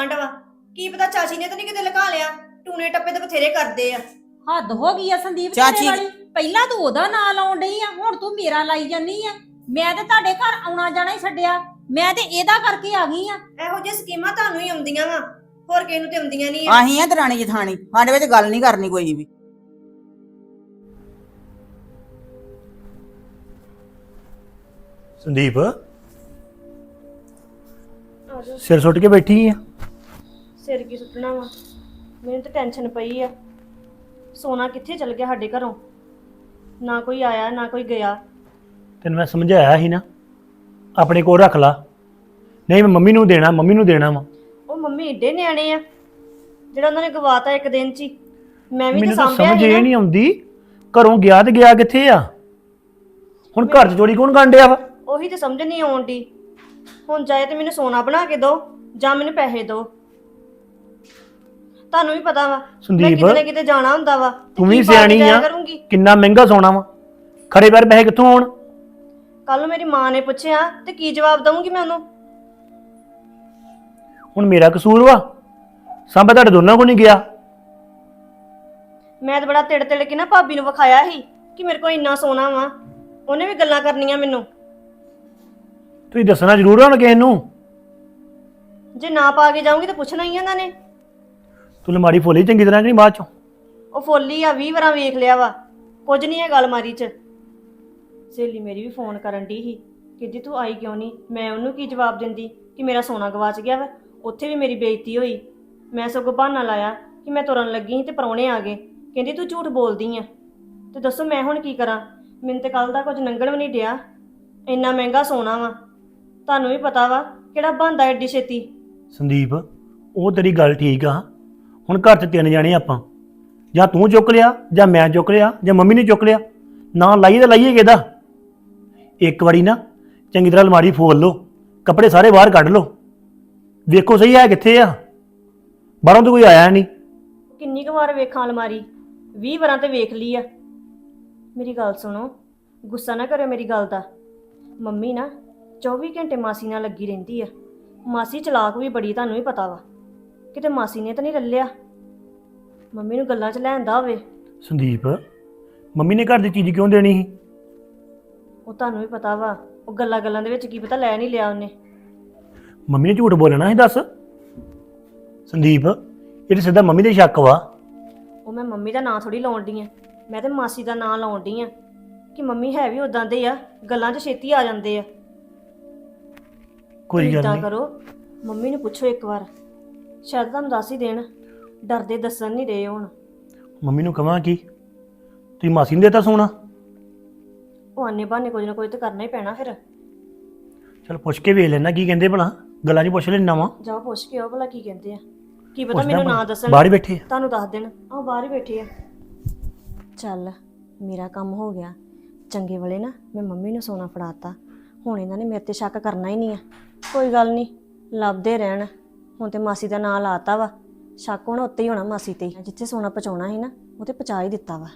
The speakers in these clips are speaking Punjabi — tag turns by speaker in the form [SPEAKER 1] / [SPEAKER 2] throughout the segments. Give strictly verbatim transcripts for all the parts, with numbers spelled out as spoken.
[SPEAKER 1] ਗਵਾਂਢ ਵਾ, ਕੀ ਪਤਾ ਚਾਚੀ ਨੇ ਤਾਂ ਨਹੀਂ ਕਿਤੇ ਲਗਾ ਲਿਆ। ਟੂਣੇ ਟੱਪੇ ਤਾਂ ਬਥੇਰੇ ਕਰਦੇ ਆ।
[SPEAKER 2] ਹੱਦ ਹੋ ਗਈ ਆ ਸੰਦੀਪ
[SPEAKER 3] ਚਾਚੀ-
[SPEAKER 2] ਤੇਰੇ ਵਾਲੀ। ਪਹਿਲਾਂ ਤੂੰ ਉਹਦਾ ਨਾਂ ਲਾਉਣ ਡਈ ਆ, ਹੁਣ ਤੂੰ ਮੇਰਾ ਲਾਈ ਜਾਨੀ ਆ। ਮੈਂ ਤੇ ਤੁਹਾਡੇ ਘਰ ਆਉਣਾ ਜਾਣਾ ਹੀ ਛੱਡਿਆ, ਮੈਂ ਤੇ ਇਹਦਾ ਕਰਕੇ ਆ ਗਈ ਆ।
[SPEAKER 1] ਇਹੋ ਜਿਹੀ ਸਕੀਮਾਂ ਤੁਹਾਨੂੰ ਹੀ ਆਉਂਦੀਆਂ ਵਾ, ਹੋਰ ਕਿਸੇ ਨੂੰ ਤੇ ਆਉਂਦੀਆਂ ਨਹੀਂ ਆ।
[SPEAKER 3] ਆਹੀਂ ਆ ਦਰਾਣੀ ਜਠਾਣੀ, ਸਾਡੇ ਵਿੱਚ ਗੱਲ ਨਹੀਂ ਕਰਨੀ ਕੋਈ ਵੀ।
[SPEAKER 4] ਸੰਦੀਪ ਸਿਰ ਸੁੱਟ ਕੇ ਬੈਠੀ ਆ।
[SPEAKER 1] ਸਿਰ ਕੀ ਸੁੱਟਣਾ ਵਾ, ਮੈਨੂੰ ਤਾਂ ਟੈਨਸ਼ਨ ਪਈ ਆ। ਸੋਨਾ ਕਿੱਥੇ ਚਲ ਗਿਆ ਸਾਡੇ ਘਰੋਂ, ਨਾ ਕੋਈ ਆਇਆ ਨਾ ਕੋਈ ਗਿਆ।
[SPEAKER 4] ਤੈਨੂੰ ਮੈਂ ਸਮਝਾਇਆ ਸੀ ਨਾ, ਆਪਣੇ ਕੋਲ ਰੱਖ ਲਾ। ਨਹੀਂ ਮੈਂ ਮੰਮੀ ਨੂੰ ਦੇਣਾ, ਮੰਮੀ ਨੂੰ ਦੇਣਾ ਵਾ।
[SPEAKER 1] ਉਹ ਮੰਮੀ ਏਡੇ ਨਿਆਣੇ ਆ ਜਿਹੜਾ ਉਹਨਾਂ ਨੇ ਗਵਾਤਾ ਇੱਕ ਦਿਨ ਚ ਹੀ। ਮੈਂ ਵੀ ਤਾਂ
[SPEAKER 4] ਮੈਨੂੰ ਤਾਂ
[SPEAKER 1] ਸਾਂਭਿਆ
[SPEAKER 4] ਸਮਝ
[SPEAKER 1] ਸੀ
[SPEAKER 4] ਇਹ
[SPEAKER 1] ਨਾ।
[SPEAKER 4] ਨਹੀਂ ਆਉਂਦੀ, ਘਰੋਂ ਗਿਆ ਤੇ ਗਿਆ ਕਿੱਥੇ ਆ? ਹੁਣ ਘਰ 'ਚ ਚੋਰੀ ਕੌਣ ਗਾਂਡਿਆ ਵਾ?
[SPEAKER 1] ਉਹੀ ਤੇ ਸਮਝ ਨਹੀਂ ਆਉਂਦੀ। ਹੁਣ ਚਾਹੇ ਤੇ ਮੈਨੂੰ ਸੋਨਾ ਬਣਾ ਕੇ ਦਿਓ ਜਾਂ ਮੈਨੂੰ ਪੈਸੇ ਦਿਓ। ਤੁਹਾਨੂੰ ਵੀ ਪਤਾ ਵਾ ਮੈਂ
[SPEAKER 4] ਸੰਦੀਪ,
[SPEAKER 1] ਕਿਤੇ ਨਾ ਕਿਤੇ ਜਾਣਾ ਹੁੰਦਾ ਵਾ, ਤੇ
[SPEAKER 4] ਤੂੰ
[SPEAKER 1] ਕੀ
[SPEAKER 4] ਵੀ
[SPEAKER 1] ਪਾ ਕੇ
[SPEAKER 4] ਸਿਆਣੀ
[SPEAKER 1] ਜਾਇਆ
[SPEAKER 4] ਆ।
[SPEAKER 1] ਕਰੂੰਗੀ।
[SPEAKER 4] ਕਿੰਨਾ ਮਹਿੰਗਾ ਸੋਨਾ ਵਾ, ਖੜੇ ਪੈਰ ਪੈਸੇ ਕਿੱਥੋਂ ਆਉਣ?
[SPEAKER 1] ਕੱਲ ਨੂੰ ਮੇਰੀ ਮਾਂ ਨੇ ਪੁੱਛਿਆ ਤੇ ਕੀ ਜਵਾਬ ਦਵਾਂਗੀ ਮੈਂ ਉਹਨੂੰ?
[SPEAKER 4] ਹੁਣ ਮੇਰਾ ਕਸੂਰ ਵਾ? ਸਾਂਭਾ ਤੁਹਾਡੇ ਦੋਨਾਂ ਕੋਲ ਨਹੀਂ ਗਿਆ।
[SPEAKER 1] ਮੈਂ ਤਾਂ ਬੜਾ ਤਿੜ ਤਿੜ ਕੇ ਨਾ ਭਾਬੀ ਨੂੰ ਵਿਖਾਇਆ ਸੀ ਕਿ ਮੇਰੇ ਕੋਲ ਇੰਨਾ ਸੋਨਾ ਵਾ। ਉਹਨੇ ਵੀ ਗੱਲਾਂ ਕਰਨੀਆਂ ਮੈਨੂੰ।
[SPEAKER 4] ਤੁਸੀਂ ਦੱਸਣਾ ਜ਼ਰੂਰ ਆ ਹੁਣ ਕਿਸੇ ਨੂੰ।
[SPEAKER 1] ਜੇ ਨਾ ਪਾ ਕੇ ਜਾਊਂਗੀ ਤਾਂ ਪੁੱਛਣਾ ਹੀ ਆ ਉਹਨਾਂ ਨੇ।
[SPEAKER 4] ਤੂੰ ਅਲਮਾਰੀ ਫੋਲੀ ਚੰਗੀ ਤਰ੍ਹਾਂ ਕਿ ਨਹੀਂ ਬਾਅਦ ਚੋਂ?
[SPEAKER 1] ਉਹ ਫੋਲੀ ਆ, ਵੀਹ ਵਾਰਾਂ ਵੇਖ ਲਿਆ ਵਾ, ਕੁਝ ਨਹੀਂ ਹੈ ਗੱਲ ਮਾਰੀ ਚ। ਸਹੇਲੀ ਮੇਰੀ ਵੀ ਫੋਨ ਕਰਨ ਦੀ ਸੀ, ਕਹਿੰਦੀ ਤੂੰ ਆਈ ਕਿਉਂ ਨਹੀਂ? ਮੈਂ ਉਹਨੂੰ ਕੀ ਜਵਾਬ ਦਿੰਦੀ ਕਿ ਮੇਰਾ ਸੋਨਾ ਗਵਾਚ ਗਿਆ ਵਾ। ਉੱਥੇ ਵੀ ਮੇਰੀ ਬੇਇੱਜ਼ਤੀ ਹੋਈ। ਮੈਂ ਸਗੋਂ ਬਹਾਨਾ ਲਾਇਆ ਕਿ ਮੈਂ ਤੁਰਨ ਲੱਗੀ ਸੀ ਤੇ ਪ੍ਰਾਹੁਣੇ ਆ ਗਏ। ਕਹਿੰਦੀ ਤੂੰ ਝੂਠ ਬੋਲਦੀ ਆ। ਤੇ ਦੱਸੋ ਮੈਂ ਹੁਣ ਕੀ ਕਰਾਂ? ਮੈਨੂੰ ਤੇ ਕੱਲ ਦਾ ਕੁਝ ਲੰਘਣ ਵੀ ਨਹੀਂ ਡਿਆ। ਇੰਨਾ ਮਹਿੰਗਾ ਸੋਨਾ ਵਾ, ਤੁਹਾਨੂੰ ਵੀ ਪਤਾ ਵਾ ਕਿਹੜਾ ਬਣਦਾ ਐਡੀ ਛੇਤੀ।
[SPEAKER 4] ਸੰਦੀਪ, ਉਹ ਤੇਰੀ ਗੱਲ ਠੀਕ ਆ। ਹੁਣ ਘਰ 'ਚ ਤਿੰਨ ਜਾਣੇ ਆਪਾਂ, ਜਾਂ ਤੂੰ ਚੁੱਕ ਲਿਆ ਜਾਂ ਮੈਂ ਚੁੱਕ ਲਿਆ ਜਾਂ ਮੰਮੀ ਨੇ ਚੁੱਕ ਲਿਆ। ਨਾ ਲਾਈਏ ਤਾਂ ਲਾਈਏ ਕਿਹਦਾ? ਇੱਕ ਵਾਰੀ ਨਾ ਚੰਗੀ ਤਰ੍ਹਾਂ ਅਲਮਾਰੀ ਫੋਲ ਲਓ, ਕੱਪੜੇ ਸਾਰੇ ਬਾਹਰ ਕੱਢ ਲਓ, ਵੇਖੋ ਸਹੀ ਹੈ ਕਿੱਥੇ ਆ। ਬਾਹਰੋਂ ਤਾਂ ਕੋਈ ਆਇਆ ਨਹੀਂ।
[SPEAKER 1] ਕਿੰਨੀ ਕੁ ਵਾਰ ਵੇਖਾਂ ਅਲਮਾਰੀ? ਵੀਹ ਵਾਰਾਂ ਤੇ ਵੇਖ ਲਈ ਆ। ਮੇਰੀ ਗੱਲ ਸੁਣੋ, ਗੁੱਸਾ ਨਾ ਕਰਿਓ ਮੇਰੀ ਗੱਲ ਦਾ। ਮੰਮੀ ਨਾ ਚੌਵੀ ਘੰਟੇ ਮਾਸੀ ਨਾਲ ਲੱਗੀ ਰਹਿੰਦੀ ਆ। ਮਾਸੀ ਚਲਾਕ ਵੀ ਬੜੀ, ਤੁਹਾਨੂੰ ਵੀ ਪਤਾ ਵਾ। ਕਿਤੇ ਮਾਸੀ ਨੇ ਤਾਂ ਨਹੀਂ ਰੱਲਿਆ ਮੰਮੀ ਨੂੰ ਗੱਲਾਂ 'ਚ ਲੈਂਦਾ ਹੋਵੇ।
[SPEAKER 4] ਸੰਦੀਪ, ਮੰਮੀ ਨੇ ਘਰ ਦੀ ਚੀਜ਼ ਕਿਉਂ ਦੇਣੀ ਸੀ?
[SPEAKER 1] ਉਹ ਤੁਹਾਨੂੰ ਵੀ ਪਤਾ ਵਾ, ਉਹ ਗੱਲਾਂ ਗੱਲਾਂ ਦੇ ਵਿੱਚ ਕੀ ਪਤਾ ਲੈ ਨਹੀਂ ਲਿਆ ਉਹਨੇ।
[SPEAKER 4] ਮੰਮੀ ਨੇ ਝੂਠ ਬੋਲਣਾ ਸੀ ਦੱਸ? ਸੰਦੀਪ, ਇਹ ਤਾਂ ਸਿੱਧਾ ਮੰਮੀ ਦੇ ਸ਼ੱਕ ਵਾ।
[SPEAKER 1] ਉਹ ਮੈਂ ਮੰਮੀ ਦਾ ਨਾਂ ਥੋੜੀ ਲਾਉਣ ਡਈ ਆ, ਮੈਂ ਤੇ ਮਾਸੀ ਦਾ ਨਾਂ ਲਾਉਣ ਡਈ ਆ ਕਿ ਮੰਮੀ ਹੈ ਵੀ ਉਦਾਂ ਦੇ ਆ, ਗੱਲਾਂ 'ਚ ਛੇਤੀ ਆ ਜਾਂਦੇ ਆ।
[SPEAKER 4] ਕੋਈ ਗੱਲ
[SPEAKER 1] ਏਦਾਂ
[SPEAKER 4] ਨਹੀਂ।
[SPEAKER 1] ਕਰੋ, ਮੰਮੀ ਨੂੰ ਪੁੱਛੋ ਇੱਕ ਵਾਰ, ਸ਼ਾਇਦ ਤੁਹਾਨੂੰ ਦੱਸ ਹੀ ਦੇਣ। ਡਰਦੇ ਦੱਸਣ ਨਹੀਂ ਰਹੇ ਹੁਣ।
[SPEAKER 4] ਮੰਮੀ ਨੂੰ ਕਹਾਂ ਕੀ ਤੁਸੀਂ ਮਾਸੀ ਨੂੰ ਦੇਤਾ ਸੋਨਾ?
[SPEAKER 1] ਉਹ ਆਨੇ ਬਹਾਨੇ ਕੁਝ ਨਾ ਕੁਝ ਤਾਂ ਕਰਨਾ ਹੀ ਪੈਣਾ ਫਿਰ।
[SPEAKER 4] ਚਲ ਪੁੱਛ ਕੇ ਵੇਖ ਲੈਣਾ ਕੀ ਕਹਿੰਦੇ ਭਲਾ, ਗੱਲਾਂ 'ਚ ਪੁੱਛ ਲੈਣਾ ਵਾ।
[SPEAKER 1] ਜਾਓ ਪੁੱਛ ਕੇ ਆਓ ਭਲਾ ਕੀ ਕਹਿੰਦੇ ਆ। ਕੀ ਪਤਾ
[SPEAKER 4] ਪੁੱਛਦਾ
[SPEAKER 1] ਮੈਨੂੰ ਨਾ
[SPEAKER 4] ਭਲਾ।
[SPEAKER 1] ਦੱਸਣ,
[SPEAKER 4] ਬਾਹਰ ਹੀ ਬੈਠੇ ਆ।
[SPEAKER 1] ਤੁਹਾਨੂੰ ਦੱਸ ਦੇਣ। ਆਹ ਬਾਹਰ ਹੀ ਬੈਠੇ ਆ। ਚੱਲ ਮੇਰਾ ਕੰਮ ਹੋ ਗਿਆ ਚੰਗੇ ਵੇਲੇ ਨਾ। ਮੈਂ ਮੰਮੀ ਨੂੰ ਸੋਨਾ ਫੜਾਤਾ, ਹੁਣ ਇਹਨਾਂ ਨੇ ਮੇਰੇ ਤੇ ਸ਼ੱਕ ਕਰਨਾ ਹੀ ਨਹੀਂ ਆ। ਕੋਈ ਗੱਲ ਨਹੀਂ, ਲੱਭਦੇ ਰਹਿਣ। ਹੁਣ ਤੇ ਮਾਸੀ ਦਾ ਨਾਂ ਲਾਤਾ ਵਾ, ਸ਼ੱਕ ਹੁਣ ਉੱਤੇ ਹੀ ਹੋਣਾ ਮਾਸੀ ਤੇ। ਜਿੱਥੇ ਸੋਨਾ ਪਹੁੰਚਾਉਣਾ ਸੀ ਨਾ, ਉਹ ਤੇ ਪਹੁੰਚਾ ਹੀ ਦਿੱਤਾ ਵਾ।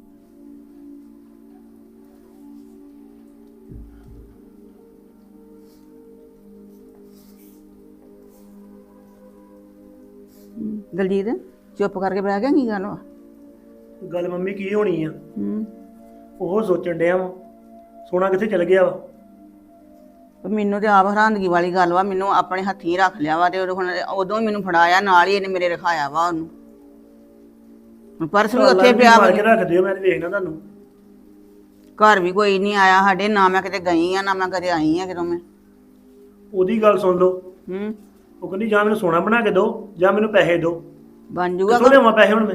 [SPEAKER 3] ਦਲਜੀਤ ਚੁੱਪ ਕਰਕੇ ਬਹਿ ਗਿਆ, ਕੀ ਗੱਲ ਵਾ?
[SPEAKER 4] ਗੱਲ ਮੰਮੀ ਕੀ ਹੋਣੀ ਆ?
[SPEAKER 3] ਹੂੰ,
[SPEAKER 4] ਉਹ ਸੋਚਣ ਡਿਆ ਵਾ ਸੋਨਾ ਕਿੱਥੇ ਚਲ ਗਿਆ ਵਾ।
[SPEAKER 3] ਪਰ ਮੈਨੂੰ ਤੇ ਆਪ ਹੈਰਾਨਗੀ ਵਾਲੀ ਗੱਲ ਵਾ। ਮੈਨੂੰ ਆਪਣੇ ਹੱਥੀਂ ਰੱਖ ਲਿਆ ਵਾ ਤੇ ਹੁਣ ਉਦੋਂ ਹੀ ਮੈਨੂੰ ਫੜਾਇਆ, ਨਾਲ ਹੀ ਇਹਨੇ ਮੇਰੇ ਰਖਾਇਆ ਵਾ ਉਹਨੂੰ। ਹੁਣ ਪਰਸ ਵੀ ਉੱਥੇ ਪਿਆ ਵਾ।
[SPEAKER 4] ਮਾਰ ਕੇ ਰੱਖ ਦਿਓ, ਮੈਂ ਤੇ ਵੇਖਣਾ ਤੁਹਾਨੂੰ।
[SPEAKER 3] ਘਰ ਵੀ ਕੋਈ ਨਹੀਂ ਆਇਆ ਸਾਡੇ, ਨਾ ਮੈਂ ਕਿਤੇ ਗਈ ਆ ਨਾ ਮੈਂ ਕਦੇ ਆਈ ਆ ਕਿਦੋਂ ਮੈਂ।
[SPEAKER 4] ਉਹਦੀ ਗੱਲ ਸੁਣ ਲਓ।
[SPEAKER 3] ਹੂੰ,
[SPEAKER 4] ਉਹ ਕਹਿੰਦੀ ਜਾਂ ਮੈਨੂੰ ਸੋਨਾ ਬਣਾ ਕੇ ਦਿਓ ਜਾਂ ਮੈਨੂੰ ਪੈਸੇ ਦਿਓ।
[SPEAKER 3] ਬਣ ਜੂਗਾ।
[SPEAKER 4] ਕਿੱਥੋਂ ਲਿਆਵਾਂ ਪੈਸੇ ਹੁਣ ਮੈਂ?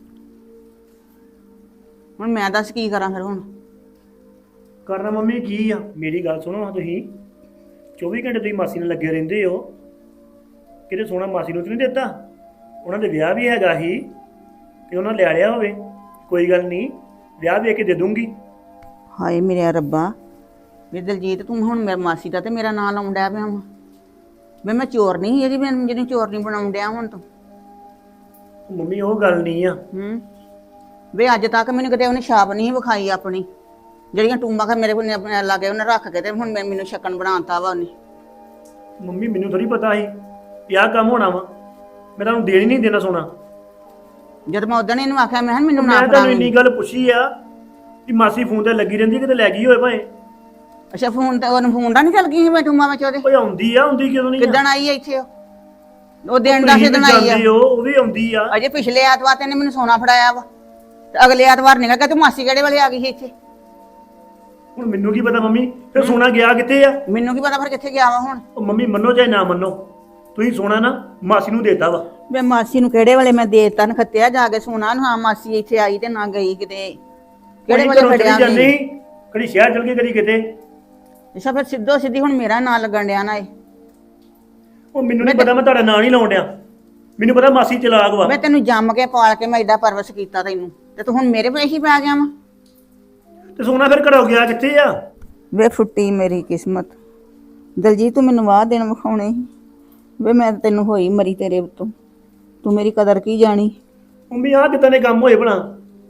[SPEAKER 3] ਹੁਣ ਮੈਂ ਦੱਸ ਕੀ ਕਰਾਂ ਫਿਰ? ਹੁਣ
[SPEAKER 4] ਕਰਨਾ ਮੰਮੀ ਕੀ ਆ? ਮੇਰੀ ਗੱਲ ਸੁਣੋ ਹਾਂ, ਤੁਸੀਂ ਚੌਵੀ ਘੰਟੇ ਤੁਸੀਂ ਮਾਸੀ ਨਾਲ ਲੱਗੇ ਰਹਿੰਦੇ ਹੋ। ਕਿਤੇ ਸੋਨਾ ਮਾਸੀ ਨੂੰ ਤਾਂ ਨਹੀਂ ਦਿੱਤਾ? ਉਹਨਾਂ ਦੇ ਵਿਆਹ ਵੀ ਹੈਗਾ ਸੀ ਤੇ ਉਹਨਾਂ ਲਿਆ ਲਿਆ ਹੋਵੇ। ਕੋਈ ਗੱਲ ਨਹੀਂ, ਵਿਆਹ ਵੇਖ ਕੇ ਦੇ ਦੂੰਗੀ।
[SPEAKER 3] ਹਾਏ ਮੇਰੇ ਰੱਬਾ, ਵੀ ਦਲਜੀਤ ਤੂੰ ਹੁਣ ਮੇਰੇ ਮਾਸੀ ਦਾ ਤੇ ਮੇਰਾ ਨਾਂ ਲਾਉਣ ਡਿਆ ਪਿਆ ਵਾ। ਵੀ ਮੈਂ ਚੋਰ ਨਹੀਂ ਇਹਦੀ, ਮੈਂ ਜਿਹਨੂੰ ਚੋਰ ਨਹੀਂ ਬਣਾਉਣ ਡਿਆ ਹੁਣ ਤੂੰ।
[SPEAKER 4] ਮੰਮੀ ਉਹ ਗੱਲ ਨਹੀਂ ਆ।
[SPEAKER 3] ਹੂੰ, ਵੇ ਅੱਜ ਤੱਕ ਮੈਨੂੰ ਕਿਤੇ ਉਹਨੇ ਛਾਪ ਨਹੀਂ ਵਿਖਾਈ ਆਪਣੀ, ਜਿਹੜੀਆਂ ਟੂੰਬਾਂ ਕਰ ਮੇਰੇ ਕੋਲ ਆਪਣੇ ਲਾਗੇ ਉਹਨੇ ਰੱਖ ਕੇ ਤੇ ਹੁਣ ਮੈਂ ਮੈਨੂੰ ਸ਼ੱਕਣ ਬਣਾਤਾ ਵਾ ਉਹਨੇ।
[SPEAKER 4] ਮੰਮੀ ਮੈਨੂੰ ਥੋੜੀ ਪਤਾ ਸੀ ਵੀ ਆਹ ਕੰਮ ਹੋਣਾ ਵਾ ਮੈਂ ਤੁਹਾਨੂੰ ਦੇਣ ਹੀ ਨਹੀਂ ਦੇਣਾ ਸੋਨਾ।
[SPEAKER 3] ਜਦ ਮੈਂ ਉਦੋਂ ਇਹਨੂੰ ਆਖਿਆ ਮੈਂ ਕਿਹਾ ਮੈਨੂੰ ਨਾ
[SPEAKER 4] ਮੈਂ ਤੁਹਾਨੂੰ
[SPEAKER 3] ਫੜਾਵੀਂ।
[SPEAKER 4] ਇੰਨੀ ਗੱਲ ਪੁੱਛੀ ਆ ਕਿ ਮਾਸੀ ਫੋਨ ਤੇ ਲੱਗੀ ਰਹਿੰਦੀ ਕਿਤੇ ਲੈ ਗਈ ਹੋਏ ਭਾਵੇਂ।
[SPEAKER 3] ਅੱਛਾ ਫੋਨ ਤੇ ਉਹਨੂੰ ਫੋਨ ਦਾ ਨਹੀਂ ਚੱਲ ਗਈ ਸੀ ਮੈਂ ਟੂਮਾ ਵਿੱਚ ਉਹਦੇ
[SPEAKER 4] ਓਏ ਆਉਂਦੀ ਆ ਆਉਂਦੀ ਕਿਦੋਂ ਨਹੀਂ
[SPEAKER 3] ਕਿੱਦਣ ਆਈ ਹੈ ਇੱਥੇ ਉਹ ਉਹ ਦਿਨ ਦਾ ਦਿਨ ਆਈ ਆ
[SPEAKER 4] ਉਹ ਉਹ ਵੀ ਆਉਂਦੀ ਆ।
[SPEAKER 3] ਅਜੇ ਪਿਛਲੇ ਐਤਵਾਰ ਤੇ ਇਹਨੇ ਮੈਨੂੰ ਸੋਨਾ ਫੜਾਇਆ ਵਾ ਤੇ ਅਗਲੇ ਐਤਵਾਰ ਨਿਕਲ ਗਿਆ ਤੇ ਮਾਸੀ ਕਿਹੜੇ ਵੇਲੇ ਆ ਗਈ ਸੀ ਇੱਥੇ।
[SPEAKER 4] ਹੁਣ ਮੈਨੂੰ ਕੀ ਪਤਾ ਮੰਮੀ ਫਿਰ ਸੋਨਾ ਗਿਆ ਕਿੱਥੇ ਆ।
[SPEAKER 3] ਮੈਨੂੰ ਕੀ ਪਤਾ ਫਿਰ ਕਿੱਥੇ ਗਿਆ ਵਾ ਹੁਣ।
[SPEAKER 4] ਉਹ ਮੰਮੀ ਮੰਨੋ ਚਾਹੇ ਨਾ ਮੰਨੋ ਤੁਸੀਂ ਸੋਨਾ ਨਾ ਮਾਸੀ ਨੂੰ ਦੇਤਾ ਵਾ।
[SPEAKER 3] ਮੈਂ ਮਾਸੀ ਨੂੰ ਕਿਹੜੇ ਵੇਲੇ ਮੈਂ ਦੇਤਾ ਨਖੱਤਿਆ ਜਾ ਕੇ ਸੋਨਾ ਨੂੰ ਹਾਂ ਮਾਸੀ ਇੱਥੇ ਆਈ ਤੇ ਨਾ ਗਈ ਕਿਤੇ ਕਿਹੜੇ ਵੇਲੇ ਫੜਿਆ
[SPEAKER 4] ਜਾਂਦੇ
[SPEAKER 3] ਨਹੀਂ।
[SPEAKER 4] ਕਦੀ ਸ਼ਹਿਰ ਚਲ ਗਏ ਕਦੀ ਕਿਤੇ।
[SPEAKER 3] ਅੱਛਾ ਫਿਰ ਸਿੱਧੋ ਸਿੱਧੀ ਹੁਣ ਮੇਰਾ ਨਾਂ ਲੱਗਣ ਡਿਆ ਨਾ ਇਹ।
[SPEAKER 4] ਉਹ ਮੈਨੂੰ ਨਹੀਂ ਪਤਾ ਮੈਂ ਤੁਹਾਡਾ ਨਾਂ ਨਹੀਂ ਲਾਉਣ ਡਿਆ। ਮੈਨੂੰ ਪਤਾ ਮਾਸੀ ਚਲਾਕ ਵਾ।
[SPEAKER 3] ਮੈਂ ਤੈਨੂੰ ਜੰਮ ਕੇ ਪਾਲ ਕੇ ਮੈਂ ਏਡਾ ਪਰਵਸ ਕੀਤਾ ਤੈਨੂੰ ਤੇ ਤੂੰ ਹੁਣ ਮੇਰੇ ਪੇਸ਼ ਹੀ ਪੈ ਗਿਆ ਵਾ।
[SPEAKER 4] ਤੇ ਸੋਨਾ ਫਿਰ ਘਰੋਂ ਗਿਆ ਕਿੱਥੇ ਆ।
[SPEAKER 3] ਵੇ ਫੁੱਟੀ ਮੇਰੀ ਕਿਸਮਤ ਦਲਜੀਤ ਤੂੰ ਮੈਨੂੰ ਵਾਹ ਦਿਨ ਵਿਖਾਉਣੇ ਸੀ ਵੇ ਮੈਂ ਤੈਨੂੰ ਹੋਈ ਮਰੀ ਤੇਰੇ ਉੱਤੋਂ ਤੂੰ ਮੇਰੀ ਕਦਰ ਕੀ ਜਾਣੀ।
[SPEAKER 4] ਮੰਮੀ ਆਹ ਕਿੱਦਾਂ ਦੇ ਕੰਮ ਹੋਏ ਭਲਾ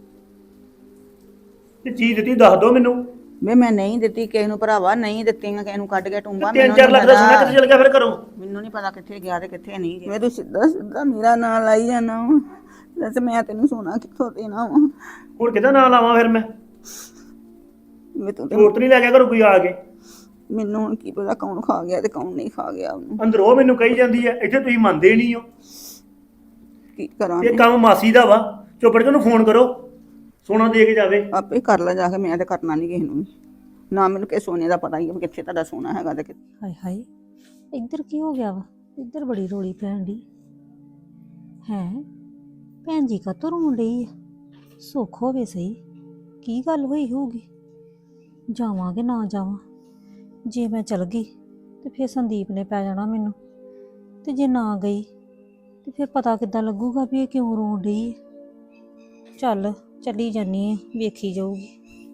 [SPEAKER 4] ਤੇ ਚੀਜ਼ ਦਿੱਤੀ ਦੱਸ ਦੋ ਮੈਨੂੰ।
[SPEAKER 3] ਵੇ ਮੈਂ ਨਹੀਂ ਦਿੱਤੀ ਕਿਸੇ ਨੂੰ ਭਰਾਵਾ ਨਹੀਂ ਦਿੱਤੀਆਂ ਕਿਸੇ ਨੂੰ ਕੱਢ ਕੇ ਟੁੰਬਾ
[SPEAKER 4] ਤਿੰਨ ਚਾਰ ਲੱਖ ਦਾ ਸੋਨਾ ਕਿੱਥੇ ਚਲ ਗਿਆ ਫਿਰ ਘਰੋਂ।
[SPEAKER 3] ਮੈਨੂੰ ਨਹੀਂ ਪਤਾ ਕਿੱਥੇ ਗਿਆ ਤੇ ਕਿੱਥੇ ਨਹੀਂ ਗਿਆ। ਵੇ ਤੂੰ ਸਿੱਧਾ ਸਿੱਧਾ ਮੇਰਾ ਨਾਂ ਲਾਈ ਜਾਣਾ ਵਾ ਦੱਸ ਮੈਂ ਤੈਨੂੰ ਸੋਨਾ ਕਿੱਥੋਂ ਦੇਣਾ ਵਾ।
[SPEAKER 4] ਹੁਣ ਕਿਹਦਾ ਨਾਂ ਲਾਵਾਂ ਫਿਰ ਮੈਂ।
[SPEAKER 3] ਵੇ ਤੂੰ ਤੇ
[SPEAKER 4] ਹੋਰ ਤਾਂ ਨਹੀਂ ਲੈ ਗਿਆ ਘਰੋਂ ਕੋਈ ਆ ਕੇ।
[SPEAKER 3] ਮੈਨੂੰ ਹੁਣ ਕੀ ਪਤਾ ਕੌਣ ਖਾ ਗਿਆ ਤੇ ਕੌਣ ਨਹੀਂ ਖਾ ਗਿਆ ਉਹਨੂੰ।
[SPEAKER 4] ਅੰਦਰੋਂ ਉਹ ਮੈਨੂੰ ਕਹੀ ਜਾਂਦੀ ਹੈ ਇੱਥੇ ਤੁਸੀਂ ਮੰਨਦੇ ਨਹੀਂ ਹੋ।
[SPEAKER 3] ਕੀ ਕਰਾਂ
[SPEAKER 4] ਇਹ ਕੰਮ ਮਾਸੀ ਦਾ ਵਾ ਚੁੱਪੜ ਕੇ ਉਹਨੂੰ ਫੋਨ ਕਰੋ ਸੋਨਾ ਦੇ ਕੇ ਜਾਵੇ।
[SPEAKER 3] ਆਪੇ ਕਰ ਲੈ ਜਾ ਕੇ ਮੈਂ ਤੇ ਕਰਨਾ ਨਹੀਂ ਕਿਸੇ ਨੂੰ ਵੀ। ਨਾ ਮੈਨੂੰ ਕਿ ਸੋਨੇ ਦਾ ਪਤਾ ਹੀ ਹੈ ਵੀ ਕਿੱਥੇ ਤੁਹਾਡਾ ਸੋਨਾ ਹੈਗਾ ਤੇ ਕਿੱਥੇ।
[SPEAKER 2] ਹਾਏ ਹਾਏ ਇੱਧਰ ਕੀ ਹੋ ਗਿਆ ਵਾ ਇੱਧਰ ਬੜੀ ਰੋਲੀ ਪੈਣ ਦੀ ਹੈ ਭੈਣ ਜੀ ਕਾ ਰੋਣ ਡਈ ਆ ਸੁੱਖ ਹੋਵੇ ਸਹੀ ਕੀ ਗੱਲ ਹੋਈ ਹੋਊਗੀ ਜਾਵਾਂ ਕਿ ਨਾ ਜਾਵਾਂ ਜੇ ਮੈਂ ਚਲ ਗਈ ਤੇ ਫਿਰ ਸੰਦੀਪ ਨੇ ਪੈ ਜਾਣਾ ਮੈਨੂੰ ਤੇ ਜੇ ਨਾ ਗਈ ਤੇ ਫਿਰ ਪਤਾ ਕਿੱਦਾਂ ਲੱਗੂਗਾ ਵੀ ਇਹ ਕਿਉਂ ਰੋਣ ਡਈ ਹੈ। ਚੱਲ ਚੱਲੀ ਜਾਨੀ ਆ ਵੇਖੀ ਜਾਊਗੀ।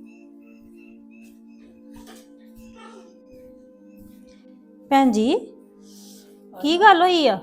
[SPEAKER 2] ਭੈਣ ਜੀ ਕੀ ਗੱਲ ਹੋਈ ਆ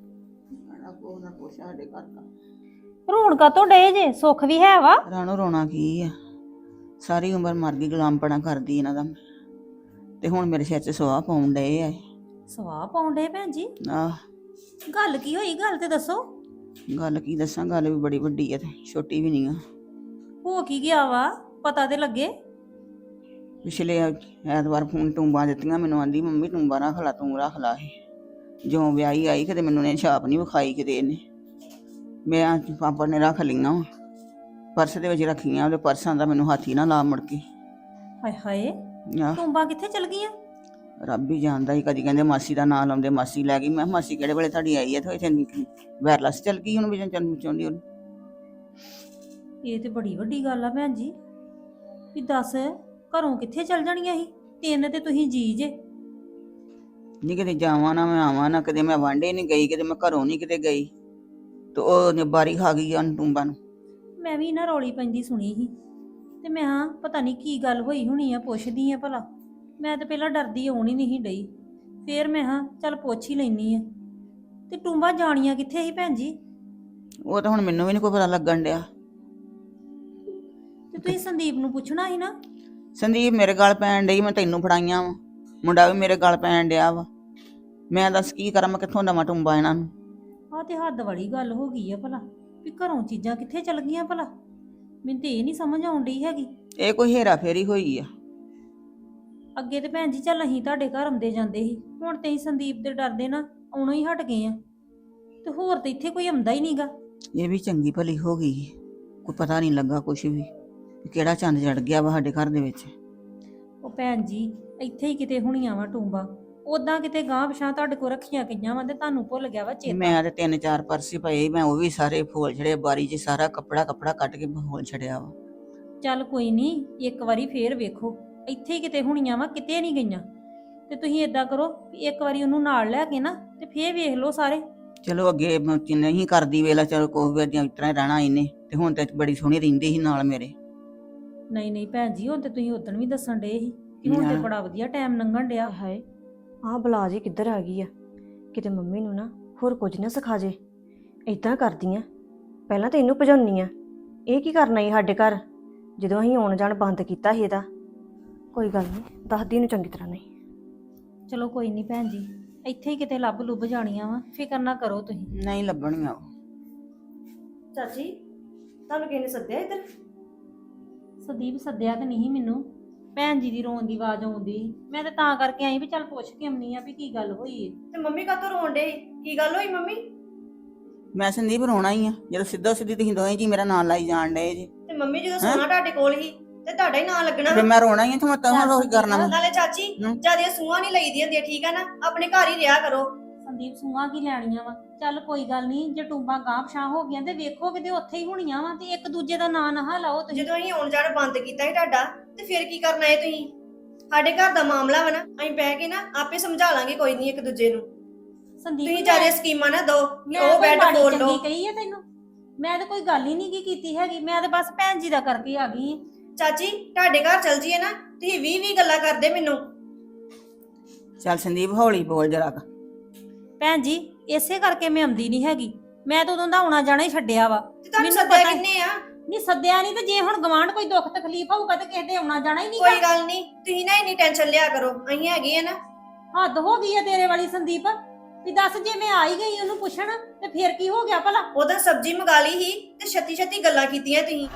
[SPEAKER 2] ਰੋਣ ਕਾਤੋਂ ਡੇ ਜੇ ਸੁੱਖ ਵੀ ਹੈ ਵਾ।
[SPEAKER 3] ਰਾਣੋ ਰੋਣਾ ਕੀ ਆ ਸਾਰੀ ਉਮਰ ਮਰ ਗਈ ਗੁਲਾਮਪਣਾ ਕਰਦੀ ਇਹਨਾਂ ਦਾ ਤੇ ਹੁਣ ਮੇਰੇ ਸਿਰ 'ਚ ਸਵਾਹ ਪਾਉਣ ਡਏ ਆ।
[SPEAKER 2] ਸਵਾਹ ਪਾਉਣ ਡੇ ਭੈਣ ਜੀ
[SPEAKER 3] ਆਹ
[SPEAKER 2] ਗੱਲ ਕੀ ਹੋਈ ਗੱਲ ਤੇ ਦੱਸੋ।
[SPEAKER 3] ਗੱਲ ਕੀ ਦੱਸਾਂ ਗੱਲ ਵੀ ਬੜੀ ਵੱਡੀ ਆ ਤੇ ਛੋਟੀ ਵੀ ਨਹੀਂ ਆ।
[SPEAKER 2] ਹੋ ਕੀ ਗਿਆ ਵਾ ਪਤਾ ਤੇ ਲੱਗੇ।
[SPEAKER 3] ਪਿਛਲੇ ਐਤਵਾਰ ਫੋਨ ਟੂੰਬਾਂ ਦਿੱਤੀਆਂ ਮੈਨੂੰ ਆਂਦੀ ਮੰਮੀ ਟੂੰਬਾਂ ਰੱਖ ਲਾ ਤੂੰ ਰੱਖ ਲਾ ਇਹ ਜੋ ਵਿਆਹੀ ਆਈ ਕਿਤੇ ਮੈਨੂੰ ਨੇ ਛਾਪ ਨਹੀਂ ਵਿਖਾਈ ਕਿਤੇ ਇਹਨੇ ਮੈਂ ਪਾਪਾ ਨੇ ਰੱਖ ਲਈਆਂ ਪਰਸ ਦੇ ਵਿੱਚ ਰੱਖੀਆਂ ਉਹਦੇ ਪਰਸਾਂ ਦਾ ਮੈਨੂੰ ਹੱਥ ਹੀ ਨਾ ਲਾ ਮੁੜ ਕੇ।
[SPEAKER 2] ਹਾਏ ਹਾਏ
[SPEAKER 3] ਆਹ
[SPEAKER 2] ਟੁੰਬਾਂ ਕਿੱਥੇ ਚਲ ਗਈਆਂ।
[SPEAKER 3] ਰੱਬ ਹੀ ਜਾਣਦਾ ਹੀ ਕਦੀ ਕਹਿੰਦੇ ਮਾਸੀ ਦਾ ਨਾਂ ਲਾਉਂਦੇ ਮਾਸੀ ਲੈ ਗਈ ਮੈਂ ਕਿਹਾ ਮਾਸੀ ਕਿਹੜੇ ਵੇਲੇ ਤੁਹਾਡੀ ਆਈ ਹੈ ਤੇ ਇੱਥੇ ਵਾਇਰਲੈਸ ਚੱਲ ਗਈ ਹੁਣ ਵੀ ਚੱਲ ਚਾਹੁੰਦੀ ਉਹਨੂੰ।
[SPEAKER 2] ਇਹ ਤੇ ਬੜੀ ਵੱਡੀ ਗੱਲ ਆ ਭੈਣ ਜੀ ਵੀ ਦੱਸ ਘਰੋਂ ਕਿੱਥੇ ਚਲ ਜਾਣੀਆਂ ਸੀ ਤਿੰਨ ਤੇ ਤੁਸੀਂ ਜੀ ਜੇ।
[SPEAKER 3] ਨਹੀਂ ਕਿਤੇ ਜਾਵਾਂ ਨਾ ਮੈਂ ਆਵਾਂ ਨਾ ਕਦੇ ਮੈਂ ਵਾਂਢੇ ਨਹੀਂ ਗਈ ਕਿਤੇ ਮੈਂ ਘਰੋਂ ਨਹੀਂ ਕਿਤੇ ਗਈ ਤੇ ਉਹ ਬਾਰੀ ਖਾ ਗਈ ਆ ਟੂੰਬਾਂ ਨੂੰ।
[SPEAKER 2] ਮੈਂ ਵੀ ਨਾ ਰੌਲੀ ਪੈਂਦੀ ਸੁਣੀ ਸੀ ਤੇ ਮੈਂ ਹਾਂ ਪਤਾ ਨਹੀਂ ਕੀ ਗੱਲ ਹੋਈ ਹੋਣੀ ਆ ਪੁੱਛਦੀ ਆ ਭਲਾ। ਮੈਂ ਤਾਂ ਪਹਿਲਾਂ ਡਰਦੀ ਆਉਣ ਹੀ ਨਹੀਂ ਡਈ ਫੇਰ ਮੈਂ ਹਾਂ ਚੱਲ ਪੁੱਛ ਹੀ ਲੈਣੀ ਆ ਤੇ ਟੂੰਬਾਂ ਜਾਣੀਆਂ ਕਿੱਥੇ ਸੀ ਭੈਣ ਜੀ।
[SPEAKER 3] ਉਹ ਤਾਂ ਹੁਣ ਮੈਨੂੰ ਵੀ ਨਹੀਂ ਕੋਈ ਪਤਾ ਲੱਗਣ ਡਿਆ।
[SPEAKER 2] ਤੇ ਤੁਸੀਂ ਸੰਦੀਪ ਨੂੰ ਪੁੱਛਣਾ ਸੀ ਨਾ।
[SPEAKER 3] ਸੰਦੀਪ ਮੇਰੇ ਗਲ ਪੈਣ ਡਈ ਮੈਂ ਤੈਨੂੰ ਫੜਾਈਆਂ ਵਾ ਮੁੰਡਾ ਵੀ ਮੇਰੇ ਗਲ ਪੈਣ ਡਿਆ ਵਾ ਮੈਂ ਦੱਸ ਕੀ ਕਰਾਂ ਮੈਂ ਕਿੱਥੋਂ ਦਵਾਂ ਟੂੰਬਾਂ ਇਹਨਾਂ ਨੂੰ।
[SPEAKER 2] ਆਹ ਤੇ ਹੱਦ ਵਾਲੀ ਗੱਲ ਹੋ ਗਈ ਆ ਭਲਾ ਵੀ ਘਰੋਂ ਚੀਜ਼ਾਂ ਕਿੱਥੇ ਚਲ ਗਈਆਂ ਭਲਾ ਮੈਨੂੰ ਤੇ ਇਹ ਨਹੀਂ ਸਮਝ ਆਉਣ ਡਈ ਹੈਗੀ।
[SPEAKER 3] ਇਹ ਕੋਈ ਹੇਰਾ ਫੇਰੀ ਹੋਈ ਆ।
[SPEAKER 2] ਅੱਗੇ ਤੇ ਭੈਣ ਜੀ ਚੱਲ ਅਸੀਂ ਤੁਹਾਡੇ ਘਰ ਆਉਂਦੇ ਜਾਂਦੇ ਸੀ ਹੁਣ ਤੇ ਅਸੀਂ ਸੰਦੀਪ ਦੇ ਡਰਦੇ ਨਾ ਆਉਣੋਂ ਹੀ ਹਟ ਗਏ ਆ ਤੇ ਹੋਰ ਤੇ ਇੱਥੇ ਕੋਈ ਆਉਂਦਾ ਹੀ ਨਹੀਂਗਾ।
[SPEAKER 3] ਇਹ ਵੀ ਚੰਗੀ ਭਲੀ ਹੋ ਗਈ ਕੋਈ ਪਤਾ ਨਹੀਂ ਲੱਗਾ ਕੁਛ ਵੀ ਕਿਹੜਾ ਚੰਦ ਚੜ ਗਿਆ ਵਾ ਸਾਡੇ ਘਰ ਦੇ ਵਿੱਚ।
[SPEAKER 2] ਉਹ ਭੈਣ ਜੀ ਇੱਥੇ ਹੀ ਕਿਤੇ ਹੁਣੀਆਂ ਵਾ ਟੂੰਬਾਂ ਉਦਾਂ ਕਿਤੇ ਗਾਂਹ ਪਿਛਾਂ ਤੁਹਾਡੇ ਕੋਲ ਰੱਖੀਆਂ ਗਈਆਂ ਵਾ ਤੇ ਤੁਹਾਨੂੰ ਭੁੱਲ ਗਿਆ ਵਾ ਚੇਤਾ।
[SPEAKER 3] ਮੈਂ ਤੇ ਤਿੰਨ ਚਾਰ ਪਰਸੇ ਪਏ ਮੈਂ ਉਹ ਵੀ ਸਾਰੇ ਫੋਲ ਛੜੇ ਬਾਰੀ 'ਚ ਸਾਰਾ ਕੱਪੜਾ ਕੱਪੜਾ ਕੱਟ ਕੇ ਫੋਲ ਛੜਿਆ ਵਾ।
[SPEAKER 2] ਚੱਲ ਕੋਈ ਨਹੀਂ ਇੱਕ ਵਾਰੀ ਫੇਰ ਵੇਖੋ ਇੱਥੇ ਹੀ ਕਿਤੇ ਹੁਣੀਆਂ ਵਾ ਕਿਤੇ ਨਹੀਂ ਗਈਆਂ ਤੇ ਤੁਸੀਂ ਏਦਾਂ ਕਰੋ ਵੀ ਇੱਕ ਵਾਰੀ ਉਹਨੂੰ ਨਾਲ ਲੈ ਕੇ ਨਾ ਤੇ ਫੇਰ ਵੇਖ ਲਓ ਸਾਰੇ।
[SPEAKER 3] ਚਲੋ ਅੱਗੇ ਨਹੀਂ ਕਰਦੀ ਵੇਲਾ ਚਲੋ ਕੋਈ ਵੀ ਇਸ ਤਰ੍ਹਾਂ ਰਹਿਣਾ ਇਹਨੇ ਤੇ ਹੁਣ ਤੇ ਬੜੀ ਸੋਹਣੀ ਰਹਿੰਦੀ ਸੀ ਨਾਲ ਮੇਰੇ।
[SPEAKER 2] ਨਹੀਂ ਨਹੀਂ ਭੈਣ ਜੀ ਹੁਣ ਤੇ ਤੁਸੀਂ ਉਦੋਂ ਵੀ ਦੱਸਣ ਡੇ ਸੀ ਕਿ ਹੁਣ ਤੇ ਬੜਾ ਵਧੀਆ ਟਾਈਮ ਲੰਘਣ ਡਿਆ।
[SPEAKER 1] ਹਾਏ ਆਹ ਬਲਾ ਜੀ ਕਿੱਧਰ ਆ ਗਈ ਆ ਕਿਤੇ ਮੰਮੀ ਨੂੰ ਨਾ ਹੋਰ ਕੁਝ ਨਾ ਸਿਖਾ ਜੇ। ਇਦਾਂ ਕਰਦੀਆਂ ਪਹਿਲਾਂ ਤਾਂ ਇਹਨੂੰ ਭਜਾਉਣੀ ਆ ਇਹ ਕੀ ਕਰਨਾ ਈ ਸਾਡੇ ਘਰ ਜਦੋਂ ਅਸੀਂ ਆਉਣ ਜਾਣ ਬੰਦ ਕੀਤਾ ਸੀ ਇਹਦਾ। ਕੋਈ ਗੱਲ ਨਹੀਂ ਦੱਸਦੀ ਇਹਨੂੰ ਚੰਗੀ ਤਰ੍ਹਾਂ ਨਹੀਂ।
[SPEAKER 2] ਚਲੋ ਕੋਈ ਨਹੀਂ ਭੈਣ ਜੀ ਇੱਥੇ ਹੀ ਕਿਤੇ ਲੱਭ ਲੁੱਭ ਜਾਣੀਆਂ ਵਾ, ਫਿਕਰ ਨਾ ਕਰੋ ਤੁਸੀਂ।
[SPEAKER 3] ਨਹੀਂ ਲੱਭਣੀਆਂ ਉਹ।
[SPEAKER 1] ਚਾਚੀ ਤੁਹਾਨੂੰ ਕਿਹਨੇ ਸੱਦਿਆ ਇੱਧਰ?
[SPEAKER 2] ਸੰਦੀਪ ਸੱਦਿਆ ਤੇ ਨਹੀਂ ਮੈਨੂੰ, ਭੈਣ ਜੀ ਦੀ ਰੋਣ ਦੀ ਆਵਾਜ਼ ਆਉਂਦੀ ਸੀ। ਮੈਂ ਤੇ ਤਾਂ ਕਰਕੇ ਆਈ ਵੀ ਚੱਲ ਪੁੱਛ ਕੇ ਆਉਣੀ ਆ ਵੀ ਕੀ ਗੱਲ ਹੋਈ ਏ।
[SPEAKER 1] ਤੇ ਮੰਮੀ ਕਾਹਤੋਂ ਰੋਣ ਡੇ? ਕੀ ਗੱਲ ਹੋਈ ਮੰਮੀ?
[SPEAKER 3] ਮੈਂ ਸੰਦੀਪ ਰੋਣਾ ਹੀ ਆ ਜਦੋਂ ਸਿੱਧਾ ਸਿੱਧੀ ਤੁਸੀਂ ਦੋਵੇਂ ਜੀ ਮੇਰਾ ਨਾਂ ਲਾਈ ਜਾਣ ਡਏ ਜੀ।
[SPEAKER 1] ਤੇ ਮੰਮੀ ਜਦੋਂ ਸੋਨਾ ਤੁਹਾਡੇ ਕੋਲ ਹੀ ਤੇ ਤੁਹਾਡਾ ਹੀ ਨਾਂ ਲੱਗਣਾ
[SPEAKER 3] ਫਿਰ ਮੈਂ ਰੋਣਾ ਹੀ ਆ ਤੇ ਮੈਂ ਤਾਂ ਰੋਈ ਕਰਨਾ ਵਾ।
[SPEAKER 1] ਨਾਲੇ ਚਾਚੀ
[SPEAKER 3] ਹਮ।
[SPEAKER 1] ਜਿਆਦੀਆਂ ਸੂਹਾਂ ਨਹੀਂ ਲਈਦੀਆਂ ਹੁੰਦੀਆਂ, ਠੀਕ ਆ ਨਾ? ਆਪਣੇ ਘਰ ਹੀ ਰਿਹਾ ਕਰੋ।
[SPEAKER 2] ਸੰਦੀਪ ਸੂਆਂ ਕੀ ਲੈਣੀਆਂ ਵਾ, ਚੱਲ ਕੋਈ ਗੱਲ ਨਹੀਂ, ਜੇ ਟੂੰਬਾਂ ਗਾਂਹ ਪਛਾਂ ਹੋ ਗਈਆਂ ਤੇ ਵੇਖੋ ਕਿਤੇ ਉੱਥੇ ਹੀ ਹੋਣੀਆਂ ਵਾ, ਤੇ ਇੱਕ ਦੂਜੇ ਦਾ ਨਾਂ ਨਾ ਲਾਓ ਤੁਸੀਂ।
[SPEAKER 1] ਜਦੋਂ ਅਸੀਂ ਆਉਣ ਜਾਣ ਬੰਦ ਕੀਤਾ ਸੀ ਤੁਹਾਡਾ, ਤੇ ਫਿਰ ਕੀ ਕਰਨਾ ਹੈ ਤੁਸੀਂ? ਸਾਡੇ ਘਰ ਦਾ ਮਾਮਲਾ ਵਾ ਨਾ, ਅਸੀਂ ਬਹਿ ਕੇ ਨਾ ਆਪੇ ਸਮਝਾ ਲਾਂਗੇ, ਕੋਈ ਨਹੀਂ ਇੱਕ ਦੂਜੇ ਨੂੰ।
[SPEAKER 2] ਸੰਦੀਪ
[SPEAKER 1] ਤੁਸੀਂ ਜਿਆਦਾ ਸਕੀਮਾਂ ਨਾ ਦੋ
[SPEAKER 2] ਮੈਂ
[SPEAKER 1] ਉਹ
[SPEAKER 2] ਕੋਈ
[SPEAKER 1] ਬੈੱਡ
[SPEAKER 2] ਮਾੜੀ
[SPEAKER 1] ਖੋਲ
[SPEAKER 2] ਚੰਗੀ
[SPEAKER 1] ਲਓ।
[SPEAKER 2] ਕਹੀ ਹੈ ਤੈਨੂੰ? ਮੈਂ ਤਾਂ ਕੋਈ ਗੱਲ ਹੀ ਨਹੀਂ ਕੀ ਕੀਤੀ ਹੈਗੀ, ਮੈਂ ਤਾਂ ਬਸ ਭੈਣ ਜੀ ਦਾ ਕਰਕੇ ਆ ਗਈ ਹਾਂ।
[SPEAKER 1] ਚਾਚੀ ਤੁਹਾਡੇ ਘਰ ਚਲ ਜੀਏ ਨਾ, ਤੁਸੀਂ ਵੀਹ ਵੀਹ ਗੱਲਾਂ ਕਰਦੇ ਮੈਨੂੰ।
[SPEAKER 3] ਚੱਲ ਸੰਦੀਪ ਹੌਲੀ ਬੋਲ ਜਰਾ।
[SPEAKER 2] ਭੈਣ ਜੀ ਇਸੇ ਕਰਕੇ ਮੈਂ ਆਉਂਦੀ ਨਹੀਂ ਹੈਗੀ, ਮੈਂ ਤਾਂ ਉਦੋਂ ਦਾ ਆਉਣਾ ਜਾਣਾ ਹੀ ਛੱਡਿਆ ਵਾ।
[SPEAKER 1] ਤੇ ਤੁਹਾਨੂੰ
[SPEAKER 2] ਮੈਨੂੰ
[SPEAKER 1] ਸੱਦਿਆ
[SPEAKER 2] ਪਤਾ-
[SPEAKER 1] ਕਿੰਨੇ ਆ?
[SPEAKER 2] ਨਹੀਂ ਸੱਦਿਆ ਨਹੀਂ, ਤੇ ਜੇ ਹੁਣ ਗਵਾਂਢ ਕੋਈ ਦੁੱਖ ਤਕਲੀਫ ਹੋਊਗਾ ਤੇ ਕਿਸੇ ਦੇ ਆਉਣਾ ਜਾਣਾ ਹੀ ਨਹੀਂ।
[SPEAKER 1] ਕੋਈ ਗੱਲ ਨਹੀਂ, ਤੁਸੀਂ ਨਾ ਇੰਨੀ ਟੈਨਸ਼ਨ ਲਿਆ ਕਰੋ, ਅਸੀਂ ਹੈਗੇ ਆ ਨਾ।
[SPEAKER 2] ਹੱਦ ਹੋ ਗਈ ਆ ਤੇਰੇ ਵਾਲੀ ਸੰਦੀਪ, ਵੀ ਦੱਸ ਜੇ ਮੈਂ ਆਈ ਗਈ ਉਹਨੂੰ ਪੁੱਛਣ ਤੇ ਫਿਰ ਕੀ ਹੋ ਗਿਆ ਭਲਾ?
[SPEAKER 1] ਉਹਦਾ ਸਬਜ਼ੀ ਮੰਗਾ ਲਈ ਸੀ ਤੇ ਛੱਤੀ ਛੱਤੀ ਗੱਲਾਂ ਕੀਤੀਆਂ ਤੁਸੀਂ।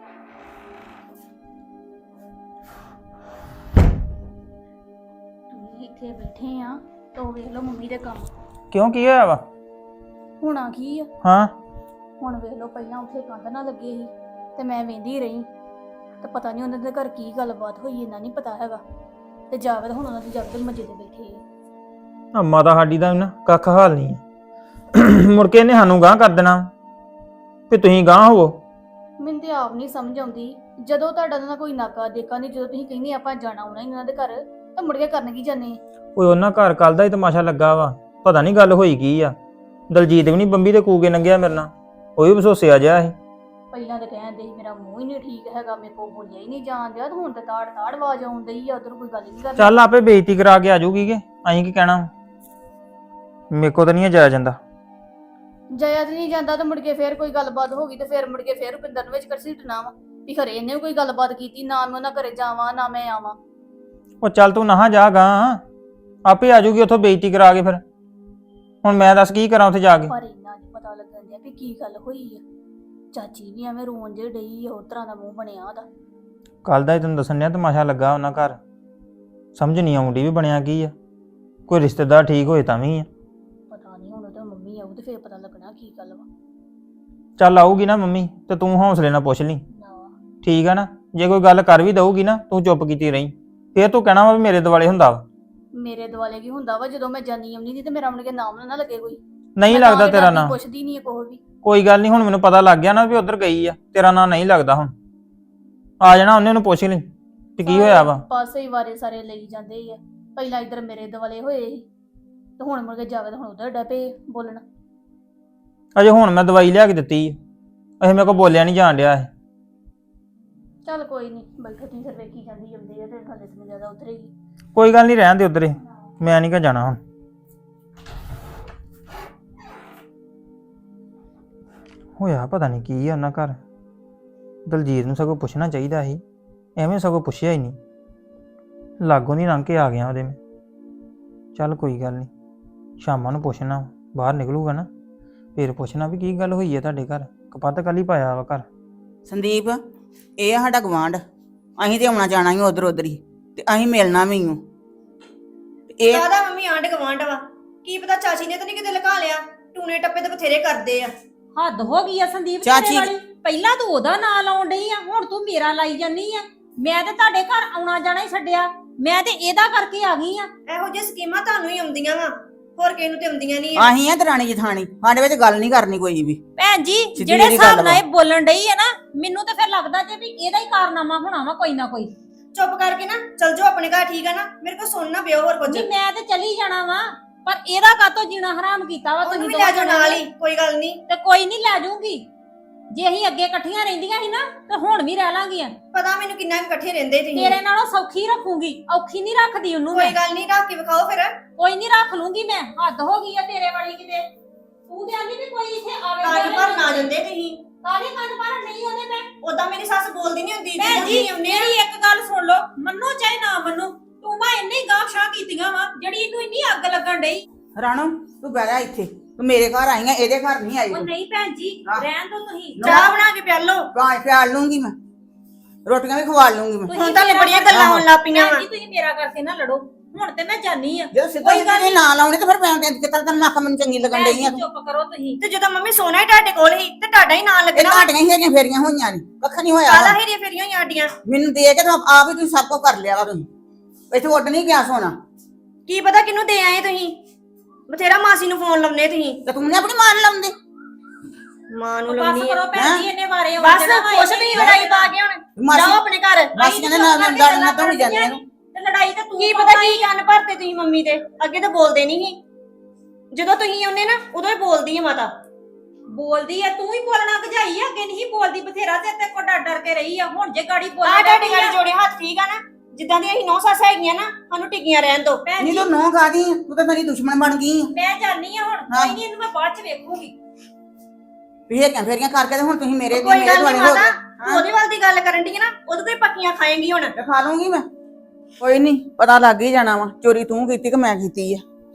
[SPEAKER 5] ਤੁਸੀਂ ਇੱਥੇ ਬੈਠੇ ਆ ਤਾਂ ਵੇਖ ਲਓ ਮੰਮੀ ਦੇ ਕੰਮ।
[SPEAKER 6] ਕਿਉਂ ਕੀ ਹੋਇਆ ਵਾ?
[SPEAKER 5] ਹੋਣਾ ਕੀ ਆ,
[SPEAKER 6] ਹਾਂ
[SPEAKER 5] ਹੁਣ ਵੇਖ ਲਓ ਪਹਿਲਾਂ ਉੱਥੇ ਕੰਧ ਨਾ ਲੱਗੇ ਸੀ ਤੇ ਮੈਂ ਵੇਂਦੀ ਰਹੀ, ਤੇ ਪਤਾ ਨਹੀਂ ਉਹਨਾਂ ਦੇ ਘਰ ਕੀ ਗੱਲਬਾਤ ਹੋਈ, ਇਹਨਾਂ ਨਹੀਂ ਪਤਾ ਹੈਗਾ। ਤੇ ਜਾਵਦ ਹੁਣ ਉਹਨਾਂ ਦੀ ਜਾਵਦ ਮੰਜੇ ਤੇ ਬੈਠੇ ਆ।
[SPEAKER 6] ਆ ਮਾਤਾ ਸਾਡੀ ਦਾ ਨਾ ਕੱਖ ਹਾਲ ਨਹੀਂ ਆ। ਮੁੜ ਕੇ ਇਹਨੇ ਸਾਨੂੰ ਗਾਂਹ ਕਰ ਦੇਣਾ ਵੀ ਤੁਸੀਂ ਗਾਂਹ ਹੋਵੋ।
[SPEAKER 5] ਮੈਨੂੰ ਤੇ ਆਪ ਨਹੀਂ ਸਮਝ ਆਉਂਦੀ, ਜਦੋਂ ਤੁਹਾਡਾ ਨਾ ਕੋਈ ਨਾਕਾ ਦੇਖਾ ਨਹੀਂ, ਜਦੋਂ ਤੁਸੀਂ ਕਹਿੰਦੇ ਆਪਾਂ ਜਾਣਾ ਆਉਣਾ ਇਹਨਾਂ ਦੇ ਘਰ, ਤਾਂ ਮੁੜ ਕੇ ਕਰਨ ਕੀ ਜਾਂਦੇ?
[SPEAKER 6] ਓਏ ਉਹਨਾਂ ਘਰ ਕੱਲ ਦਾ ਹੀ ਤਮਾਸ਼ਾ ਲੱਗਾ ਵਾ, ਪਤਾ ਨਹੀਂ ਗੱਲ ਹੋਈ ਕੀ ਆ। ਦਲਜੀਤ ਵੀ ਨਹੀਂ ਬੰਬੀ ਦੇ ਕੂਕੇ ਲੰਘਿਆ ਮੇਰੇ ਨਾਲ, ਉਹ ਵੀ ਬਸੋਸਿਆ ਜਿਹਾ ਸੀ।
[SPEAKER 5] ਪਹਿਲਾਂ ਤੇ ਕਹਿੰਦੇ ਸੀ ਮੇਰਾ ਮੂੰਹ ਹੀ ਨਹੀਂ ਠੀਕ ਹੈਗਾ, ਮੇਰੇ ਕੋਲ ਬੋਲਿਆ ਹੀ ਨਹੀਂ ਜਾਣ ਦਿਆ, ਤੇ ਹੁਣ ਤੇ ਤਾੜ ਤਾੜ ਆਵਾਜ਼ ਆਉਂਦੀ ਆ, ਉਧਰ ਕੋਈ ਗੱਲ ਨਹੀਂ ਕਰਦੀ।
[SPEAKER 6] ਚੱਲ ਆਪੇ ਬੇਇੱਜ਼ਤੀ ਕਰਾ ਕੇ ਆ ਜਾਊਗੀ ਕਿ ਅਸੀਂ ਕੀ ਕਹਿਣਾ, ਮੇਰੇ ਕੋ ਤਾਂ ਨਹੀਂ ਜਾਇਆ ਜਾਂਦਾ।
[SPEAKER 5] ਜਾਇਆ ਤੇ ਨਹੀਂ ਜਾਂਦਾ, ਤੇ ਮੁੜ ਕੇ ਫੇਰ ਕੋਈ ਗੱਲਬਾਤ ਹੋ ਗਈ ਤੇ ਫੇਰ ਮੁੜ ਕੇ ਫੇਰ ਰੁਪਿੰਦਰ ਨੂੰ ਵਿੱਚ ਘਸੀਟਣਾ ਵਾ ਵੀ ਖਰੇ ਇਹਨੇ ਵੀ ਕੋਈ ਗੱਲਬਾਤ ਕੀਤੀ, ਨਾ ਮੈਂ ਉਹਨਾਂ ਘਰੇ ਜਾਵਾਂ ਨਾ ਮੈਂ ਆਵਾਂ।
[SPEAKER 6] ਉਹ ਚੱਲ ਤੂੰ ਨਾ ਜਾ ਗਾਂਹ, ਆਪੇ ਆ ਜਾਊਗੀ ਉੱਥੋਂ ਬੇਇੱਜ਼ਤੀ ਕਰਾ ਕੇ। ਫਿਰ ਹੁਣ ਮੈਂ ਦੱਸ ਕੀ ਕਰਾਂ ਉੱਥੇ ਜਾ ਕੇ?
[SPEAKER 5] ਪਰ ਇੰਨਾ ਨਹੀਂ ਪਤਾ ਲੱਗਣ ਦਿਆ ਵੀ ਕੀ ਗੱਲ ਹੋਈ ਆ। ਚਾਚੀ ਵੀ ਐਵੇਂ ਰੋਣ ਜੇ ਡਈ ਆ, ਉਸ ਤਰ੍ਹਾਂ ਦਾ ਮੂੰਹ ਬਣਿਆ ਉਹਦਾ।
[SPEAKER 6] ਕੱਲ ਦਾ ਹੀ ਤੈਨੂੰ ਦੱਸਣ ਡਿਆ ਤਮਾਸ਼ਾ ਲੱਗਾ ਉਹਨਾਂ ਘਰ, ਸਮਝ ਨਹੀਂ ਆਉਂਦੀ ਵੀ ਬਣਿਆ ਕੀ ਆ। ਕੋਈ ਰਿਸ਼ਤੇਦਾਰ ਠੀਕ ਹੋਏ ਤਾਂ ਵੀ ਆ।
[SPEAKER 5] ਪਤਾ ਨਹੀਂ ਹੁਣ ਉਹਦਾ ਮੰਮੀ ਆਊ ਤੇ ਫੇਰ ਪਤਾ ਲੱਗਣਾ ਕੀ ਗੱਲ ਵਾ।
[SPEAKER 6] ਚੱਲ ਆਊਗੀ ਨਾ ਮੰਮੀ ਤੇ ਤੂੰ ਹੌਸਲੇ ਨਾਲ ਪੁੱਛ ਲਈ,
[SPEAKER 5] ਨਾ
[SPEAKER 6] ਠੀਕ ਆ ਨਾ? ਜੇ ਕੋਈ ਗੱਲ ਕਰ ਵੀ ਦਊਗੀ ਨਾ ਤੂੰ ਚੁੱਪ ਕੀਤੀ ਰਹੀ, ਫੇਰ ਤੂੰ ਕਹਿਣਾ ਵਾ ਵੀ ਮੇਰੇ ਦੁਆਲੇ ਹੁੰਦਾ ਵਾ।
[SPEAKER 5] ਮੇਰੇ ਦੁਆਲੇ ਕੀ ਹੁੰਦਾ ਵਾ, ਜਦੋਂ ਮੈਂ ਜਾਨੀ ਆਉਂਦੀ ਨਹੀਂ ਤੇ ਮੇਰਾ ਮੁੜ ਕੇ ਨਾਮ ਨਾ ਲੱਗੇ ਕੋਈ।
[SPEAKER 6] ਨਹੀਂ
[SPEAKER 5] ਮੈਂ ਤਾਂ
[SPEAKER 6] ਲੱਗਦਾ
[SPEAKER 5] ਵੀ
[SPEAKER 6] ਤੇਰਾ
[SPEAKER 5] ਡਰਦੀ,
[SPEAKER 6] ਨਾਂ।
[SPEAKER 5] ਪੁੱਛਦੀ ਨਹੀਂ ਕੋਈ ਵੀ।
[SPEAKER 6] ਕੋਈ ਗੱਲ ਨਹੀਂ, ਹੁਣ ਮੈਨੂੰ ਪਤਾ ਲੱਗ ਗਿਆ ਨਾ ਵੀ ਉਧਰ ਗਈ ਆ, ਤੇਰਾ ਨਾਂ ਨਹੀਂ ਲੱਗਦਾ। ਹੁਣ ਆ ਜਾਣਾ ਉਹਨੇ, ਉਹਨੂੰ ਪੁੱਛ ਲਈ ਤੇ ਕੀ ਹੋਇਆ ਵਾ।
[SPEAKER 5] ਪਾਸੇ ਹੀ ਵਾਰੇ ਸਾਰੇ ਲਈ ਜਾਂਦੇ ਆ, ਪਹਿਲਾਂ ਇੱਧਰ ਮੇਰੇ ਦੁਆਲੇ ਹੋਏ ਸੀ ਤੇ ਹੁਣ ਮੁੜ ਕੇ ਜਾਵੇ ਤਾਂ ਹੁਣ ਉਧਰ ਡੱਪੇ ਬੋਲਣ।
[SPEAKER 6] ਅਜੇ ਹੁਣ ਮੈਂ ਦਵਾਈ ਲਿਆ ਕੇ ਦਿੱਤੀ ਆ, ਅਜੇ ਮੇਰੇ ਕੋਲ ਬੋਲਿਆ ਨਹੀਂ ਜਾਣ ਡਿਆ ਇਹ।
[SPEAKER 5] ਚੱਲ ਕੋਈ ਨਹੀਂ, ਬੈਠੋ ਤੁਸੀਂ ਫਿਰ ਵੇਖੀ ਜਾਂਦੀ ਜਾਂਦੇ ਆ ਤੇ ਹਾਲੇ ਤੇ ਜ਼ਿਆਦਾ ਉਧਰੇ ਹੀ।
[SPEAKER 6] ਕੋਈ ਗੱਲ ਨਹੀਂ, ਰਹਿਣ ਦੇ ਉਧਰੇ, ਮੈਂ ਨਹੀਂ ਕਾ ਜਾਣਾ ਹੁਣ। ਹੋਇਆ ਪਤਾ ਨਹੀਂ ਕੀ ਆ ਉਹਨਾਂ ਘਰ। ਦਲਜੀਤ ਨੂੰ ਸਗੋਂ ਪੁੱਛਣਾ ਚਾਹੀਦਾ ਸੀ, ਐਵੇਂ ਸਗੋਂ ਪੁੱਛਿਆ ਹੀ ਨਹੀਂ। ਲਾਗੋਂ ਦੀ ਲੰਘ ਕੇ ਆ ਗਿਆ ਉਹਦੇ ਮੈਂ। ਚੱਲ ਕੋਈ ਗੱਲ ਨਹੀਂ, ਸ਼ਾਮਾਂ ਨੂੰ ਪੁੱਛਣਾ, ਬਾਹਰ ਨਿਕਲੂਗਾ ਨਾ ਫਿਰ ਪੁੱਛਣਾ ਵੀ ਕੀ ਗੱਲ ਹੋਈ ਹੈ ਤੁਹਾਡੇ ਘਰ, ਕਪੱਤ ਕੱਲ ਹੀ ਪਾਇਆ ਵਾ ਘਰ।
[SPEAKER 3] ਸੰਦੀਪ ਇਹ ਆ ਸਾਡਾ ਗਵਾਂਢ, ਅਸੀਂ ਤੇ ਆਉਣਾ ਜਾਣਾ ਹੀ ਉਧਰ ਉਧਰ ਹੀ, ਤੇ ਅਸੀਂ ਮਿਲਣਾ ਵੀ ਹੂੰ। ਇਹ
[SPEAKER 1] ਕਾਹਦਾ ਮੰਮੀ ਆਂਢ ਗਵਾਂਢ ਵਾ? ਕੀ ਪਤਾ ਚਾਚੀ ਨੇ ਤਾਂ ਨਹੀਂ ਕਿਤੇ ਲਗਾ ਲਿਆ, ਟੂਨੇ ਟੱਪੇ ਤਾਂ ਬਥੇਰੇ ਕਰਦੇ ਆ।
[SPEAKER 2] ਹੱਦ ਹੋ ਗਈ ਆ ਸੰਦੀਪ
[SPEAKER 3] ਚਾਚੀ-
[SPEAKER 2] ਤੇਰੇ ਵਾਲੀ, ਪਹਿਲਾਂ ਤੂੰ ਉਹਦਾ ਨਾਂ ਲਾਉਣ ਡਈ ਆ, ਹੁਣ ਤੂੰ ਮੇਰਾ ਲਾਈ ਜਾਨੀ ਆ। ਮੈਂ ਤੇ ਤੁਹਾਡੇ ਘਰ ਆਉਣਾ ਜਾਣਾ ਹੀ ਛੱਡਿਆ, ਮੈਂ ਤੇ ਇਹਦਾ ਕਰਕੇ ਆ ਗਈ ਆ।
[SPEAKER 1] ਇਹੋ ਜਿਹੀ ਸਕੀਮਾਂ ਤੁਹਾਨੂੰ ਹੀ ਆਉਂਦੀਆਂ ਵਾ, ਹੋਰ ਕਿਸੇ ਨੂੰ ਤੇ ਆਉਂਦੀਆਂ ਨਹੀਂ।
[SPEAKER 3] ਅਸੀਂ ਆ ਦਰਾਣੀ ਜਠਾਣੀ, ਸਾਡੇ ਵਿੱਚ ਗੱਲ ਨਹੀਂ ਕਰਨੀ ਕੋਈ ਵੀ।
[SPEAKER 2] ਭੈਣ ਜੀ
[SPEAKER 3] ਸਿੱਧੀ
[SPEAKER 2] ਜਿਹੜੇ
[SPEAKER 3] ਜਿਹੀ
[SPEAKER 2] ਹਿਸਾਬ
[SPEAKER 3] ਗੱਲ
[SPEAKER 2] ਨਾਲ
[SPEAKER 3] ਵਾ।
[SPEAKER 2] ਇਹ ਬੋਲਣ ਡਈ ਆ ਨਾ, ਮੈਨੂੰ ਤਾਂ ਫਿਰ ਲੱਗਦਾ ਜੇ ਵੀ ਇਹਦਾ ਹੀ ਕਾਰਨਾਮਾ ਹੋਣਾ ਵਾ ਕੋਈ ਨਾ ਕੋਈ।
[SPEAKER 1] ਚੁੱਪ ਕਰਕੇ ਨਾ ਚਲ ਜਾਓ ਆਪਣੇ ਘਰ, ਠੀਕ ਆ ਨਾ? ਮੇਰੇ ਕੋਲ ਸੁਣਨਾ ਪਿਓ ਹੋਰ ਕੁਝ।
[SPEAKER 2] ਜੀ ਮੈਂ ਤੇ ਚਲੀ ਜਾਣਾ ਵਾ, ਪਰ ਇਹਦਾ ਕਾਤੋਂ ਜੀਣਾ ਹਰਾਮ ਕੀਤਾ ਵਾ
[SPEAKER 1] ਉਹਨੂੰ ਵੀ
[SPEAKER 2] ਦੋਵਾਂ
[SPEAKER 1] ਲੈ ਜਾਓ
[SPEAKER 2] ਜਣਿਆਂ
[SPEAKER 1] ਨਾਲ
[SPEAKER 2] ਨੇ।
[SPEAKER 1] ਹੀ, ਕੋਈ ਗੱਲ ਨਹੀਂ।
[SPEAKER 2] ਤੇ ਕੋਈ ਨਹੀਂ ਲੈ ਜਾਊਂਗੀ, ਜੇ ਅਸੀਂ ਅੱਗੇ ਇਕੱਠੀਆਂ ਰਹਿੰਦੀਆਂ ਸੀ ਨਾ ਤੇ ਹੁਣ ਵੀ ਰਹਿ ਲਾਂਗੀਆਂ।
[SPEAKER 1] ਪਤਾ ਮੈਨੂੰ ਕਿੰਨਾ ਕੁ ਇਕੱਠੇ ਰਹਿੰਦੇ ਤੁਸੀਂ।
[SPEAKER 2] ਤੇਰੇ ਨਾਲੋਂ ਸੌਖੀ ਰੱਖੂੰਗੀ, ਔਖੀ ਨਹੀਂ ਰੱਖਦੀ ਉਹਨੂੰ
[SPEAKER 1] ਕੋਈ
[SPEAKER 2] ਮੈਂ।
[SPEAKER 1] ਗੱਲ ਨਹੀਂ, ਰੱਖ ਕੇ ਵਿਖਾਓ ਫਿਰ।
[SPEAKER 2] ਕੋਈ ਨਹੀਂ ਰੱਖ ਲੂੰਗੀ ਮੈਂ, ਹੱਦ ਹੋ ਗਈ ਆ ਤੇਰੇ ਵਾਲੀ ਕਿਤੇ। ਤੂੰ ਕਹਿੰਦੀ ਵੀ ਕੋਈ ਇੱਥੇ ਆਵੇ
[SPEAKER 1] ਕਾਜ ਭਰ ਨਾ ਜਾਂਦੇ ਤੁਸੀਂ।
[SPEAKER 2] ਕਾਹਦੇ ਕੰਨ ਭਰਨ ਨਹੀਂ ਉਹਦੇ ਮੈਂ।
[SPEAKER 1] ਉਦਾਂ ਮੇਰੀ ਸੱਸ ਬੋਲਦੀ ਨਹੀਂ ਹੁੰਦੀ,
[SPEAKER 2] ਭੈਣ
[SPEAKER 1] ਜਦੋਂ
[SPEAKER 2] ਜੀ
[SPEAKER 1] ਤੁਸੀਂ ਆਉਂਦੇ ਆ।
[SPEAKER 2] ਮੇਰੀ ਇੱਕ ਗੱਲ ਸੁਣ ਲਓ, ਮੰਨੋ ਚਾਹੇ ਨਾ ਮੰਨੋ, ਤੂੰ ਮੈਂ ਇੰਨੀ ਗਾਂਹ ਸ਼ਾਹ ਕੀਤੀਆਂ ਵਾ ਜਿਹੜੀ ਇਹਨੂੰ ਇੰਨੀ ਅੱਗ ਲੱਗਣ ਡਈ।
[SPEAKER 3] ਰਾਣੋ ਤੂੰ ਬਹਿ ਜਾ ਇੱਥੇ ਤੂੰ ਮੇਰੇ ਘਰ ਆਈ ਆ ਇਹਦੇ ਘਰ ਨਹੀਂ ਆਈ
[SPEAKER 1] ਉਹ
[SPEAKER 3] ਤੂੰ।
[SPEAKER 1] ਨਹੀਂ ਭੈਣ ਜੀ
[SPEAKER 3] ਹਾਂ।
[SPEAKER 1] ਰਹਿਣ ਦੋ ਤੁਸੀਂ
[SPEAKER 3] ਨਾ।
[SPEAKER 1] ਚਾਹ ਬਣਾ ਕੇ ਪਿਆ ਲਓ
[SPEAKER 3] ਗਾਂ ਪਿਆਲ ਲੂੰਗੀ ਮੈਂ ਰੋਟੀਆਂ ਵੀ ਖਵਾ ਲੂੰਗੀ ਮੈਂ
[SPEAKER 1] ਹੁਣ ਤਾਂ ਬੜੀਆਂ ਗੱਲਾਂ ਹੋਣ ਲੱਗ ਪਈਆਂ ਵਾ
[SPEAKER 7] ਜੀ ਤੁਸੀਂ ਮੇਰਾ ਕਰਕੇ ਨਾ ਲੜੋ ਹੁਣ ਤੇ ਮੈਂ ਜਾਨੀ ਆ
[SPEAKER 3] ਜਦੋਂ ਸਿੱਧਾ ਸਿੱਧਾ ਇਹ ਨਾ ਲਾਉਣੇ ਤੇ ਫਿਰ ਮੈਂ ਕਿਤੇ ਤੈਨੂੰ ਨੱਕ ਮੈਨੂੰ ਚੰਗੀ ਲੱਗਣ ਡਈ ਆ ਤੂੰ।
[SPEAKER 7] ਚੁੱਪ ਕਰੋ ਤੁਸੀਂ
[SPEAKER 1] ਤੇ ਜਦੋਂ ਮੰਮੀ ਸੋਨਾ ਹੀ ਤੁਹਾਡੇ ਕੋਲ ਹੀ ਤੇ ਤੁਹਾਡਾ ਹੀ ਨਾਂ
[SPEAKER 3] ਇਹ
[SPEAKER 1] ਲੱਗਣਾ
[SPEAKER 3] ਘਾਟੀਆਂ ਹੀ ਹੈਗੀਆਂ ਫੇਰੀਆਂ ਹੋਈਆਂ ਨੇ ਕੱਖ ਨਹੀਂ ਹੋਇਆ
[SPEAKER 1] ਕਾਲਾ ਹੀਰੀਆਂ ਫੇਰੀਆਂ ਹੋਈਆਂ ਆਡੀਆਂ
[SPEAKER 3] ਮੈਨੂੰ ਦੇ ਕੇ ਤਾਂ ਆਪ ਹੀ ਤੁਸੀਂ ਸਭ ਕੁਝ ਕਰ ਲਿਆ ਵਾ ਤੁਸੀਂ ਇੱਥੇ ਉੱਡ ਨਹੀਂ ਗਿਆ ਸੋਨਾ
[SPEAKER 1] ਕੀ ਪਤਾ ਕਿਹਨੂੰ ਦੇ ਆਏ ਤੁਸੀਂ ਬਥੇਰਾ ਮਾਸੀ ਨੂੰ ਫੋਨ ਲਾਉਨੇ ਤੁਸੀਂ
[SPEAKER 3] ਤੇ ਤੂੰ ਨੇ ਆਪਣੀ ਮਾਂ ਨੂੰ ਲਾਉਂਦੇ
[SPEAKER 1] ਮਾਂ ਨੂੰ
[SPEAKER 7] ਬਸ
[SPEAKER 1] ਲਾਉਣੀ
[SPEAKER 7] ਕਰੋ
[SPEAKER 1] ਹੈ
[SPEAKER 7] ਭੈਣ ਜੀ ਇਹਨੇ ਬਾਰੇ
[SPEAKER 1] ਬਸ ਕੁਛ ਨਹੀਂ ਲੜਾਈ ਪਾ ਕੇ ਹੁਣ
[SPEAKER 3] ਮਾਸੀ-
[SPEAKER 1] ਜਾਓ ਆਪਣੇ ਘਰ
[SPEAKER 3] ਮਾਸੀ ਕਹਿੰਦੇ ਨਾ ਲੰਡਾ ਨਾ ਤੋਂ ਜਾਂਦੇ ਇਹਨੂੰ
[SPEAKER 7] ਤੇ ਲੜਾਈ ਤਾਂ ਤੂੰ
[SPEAKER 1] ਕੀ ਪਤਾ ਕੀ ਕੰਨ ਭਰਤੇ ਤੁਸੀਂ ਮੰਮੀ ਦੇ ਅੱਗੇ ਤਾਂ ਬੋਲਦੇ ਨਹੀਂ ਸੀ ਜਦੋਂ ਤੁਸੀਂ ਆਉਂਦੇ ਨਾ ਉਦੋਂ ਹੀ ਬੋਲਦੀ ਹੈ ਮਾਤਾ
[SPEAKER 7] ਬੋਲਦੀ ਆ ਤੂੰ ਹੀ ਬੋਲਣਾ ਗਜਾਈ ਆ ਅੱਗੇ ਨਹੀਂ ਬੋਲਦੀ ਬਥੇਰਾ ਤੇ ਤੇ ਕੋ ਡਰ ਡਰ ਕੇ ਰਹੀ ਆ ਹੁਣ ਜੇ ਗਾੜੀ
[SPEAKER 1] ਆ
[SPEAKER 7] ਬੋਲਣਾ
[SPEAKER 1] ਤੁਹਾਡੇ ਗਾੜੀ ਜੋੜੇ ਹੱਥ ਠੀਕ ਆ ਨਾ ਜਿੱਦਾਂ ਦੀਆਂ ਅਸੀਂ ਨੌ ਸੱਸ ਹੈਗੀਆਂ ਨਾ ਸਾਨੂੰ ਟਿਕੀਆਂ ਰਹਿਣ ਦੋ
[SPEAKER 7] ਭੈਣ
[SPEAKER 3] ਨਹੀਂ
[SPEAKER 7] ਜੀ
[SPEAKER 3] ਤੂੰ ਨੋ ਖਾਦੀ ਤੂੰ ਤਾਂ ਮੇਰੀ ਦੁਸ਼ਮਣ ਬਣ ਗਈ ਆ
[SPEAKER 7] ਮੈਂ ਜਾਣੀ ਆ ਹੁਣ
[SPEAKER 3] ਹਾਂ।
[SPEAKER 7] ਕੋਈ ਨਹੀਂ ਇਹਨੂੰ ਮੈਂ ਬਾਅਦ ਚ ਵੇਖੂਗੀ
[SPEAKER 3] ਫੇਰੀਆਂ ਫੇਰੀਆਂ ਕਰਕੇ ਤੇ ਹੁਣ ਤੁਸੀਂ ਮੇਰੇ
[SPEAKER 1] ਕੋਈ
[SPEAKER 3] ਮੇਰੇ
[SPEAKER 1] ਗੱਲ
[SPEAKER 3] ਦੁਆਲੇ
[SPEAKER 1] ਨਹੀਂ
[SPEAKER 3] ਹੋ
[SPEAKER 1] ਮਾਤਾ
[SPEAKER 3] ਗਏ
[SPEAKER 1] ਤੂੰ ਉਹਦੇ ਵੱਲ ਦੀ ਗੱਲ ਕਰਨ ਦੀ ਨਾ ਉਹਦੇ ਕੋਈ ਪੱਕੀਆਂ ਖਾਏਂਗੀ ਹੁਣ
[SPEAKER 3] ਤੇ ਖਾ ਲੂੰਗੀ ਮੈਂ ਕੋਈ ਨਹੀਂ ਪਤਾ ਲੱਗ ਹੀ ਜਾਣਾ ਵਾ ਚੋਰੀ ਤੂੰ ਕੀਤੀ ਕਿ ਮੈਂ ਕੀਤੀ ਆ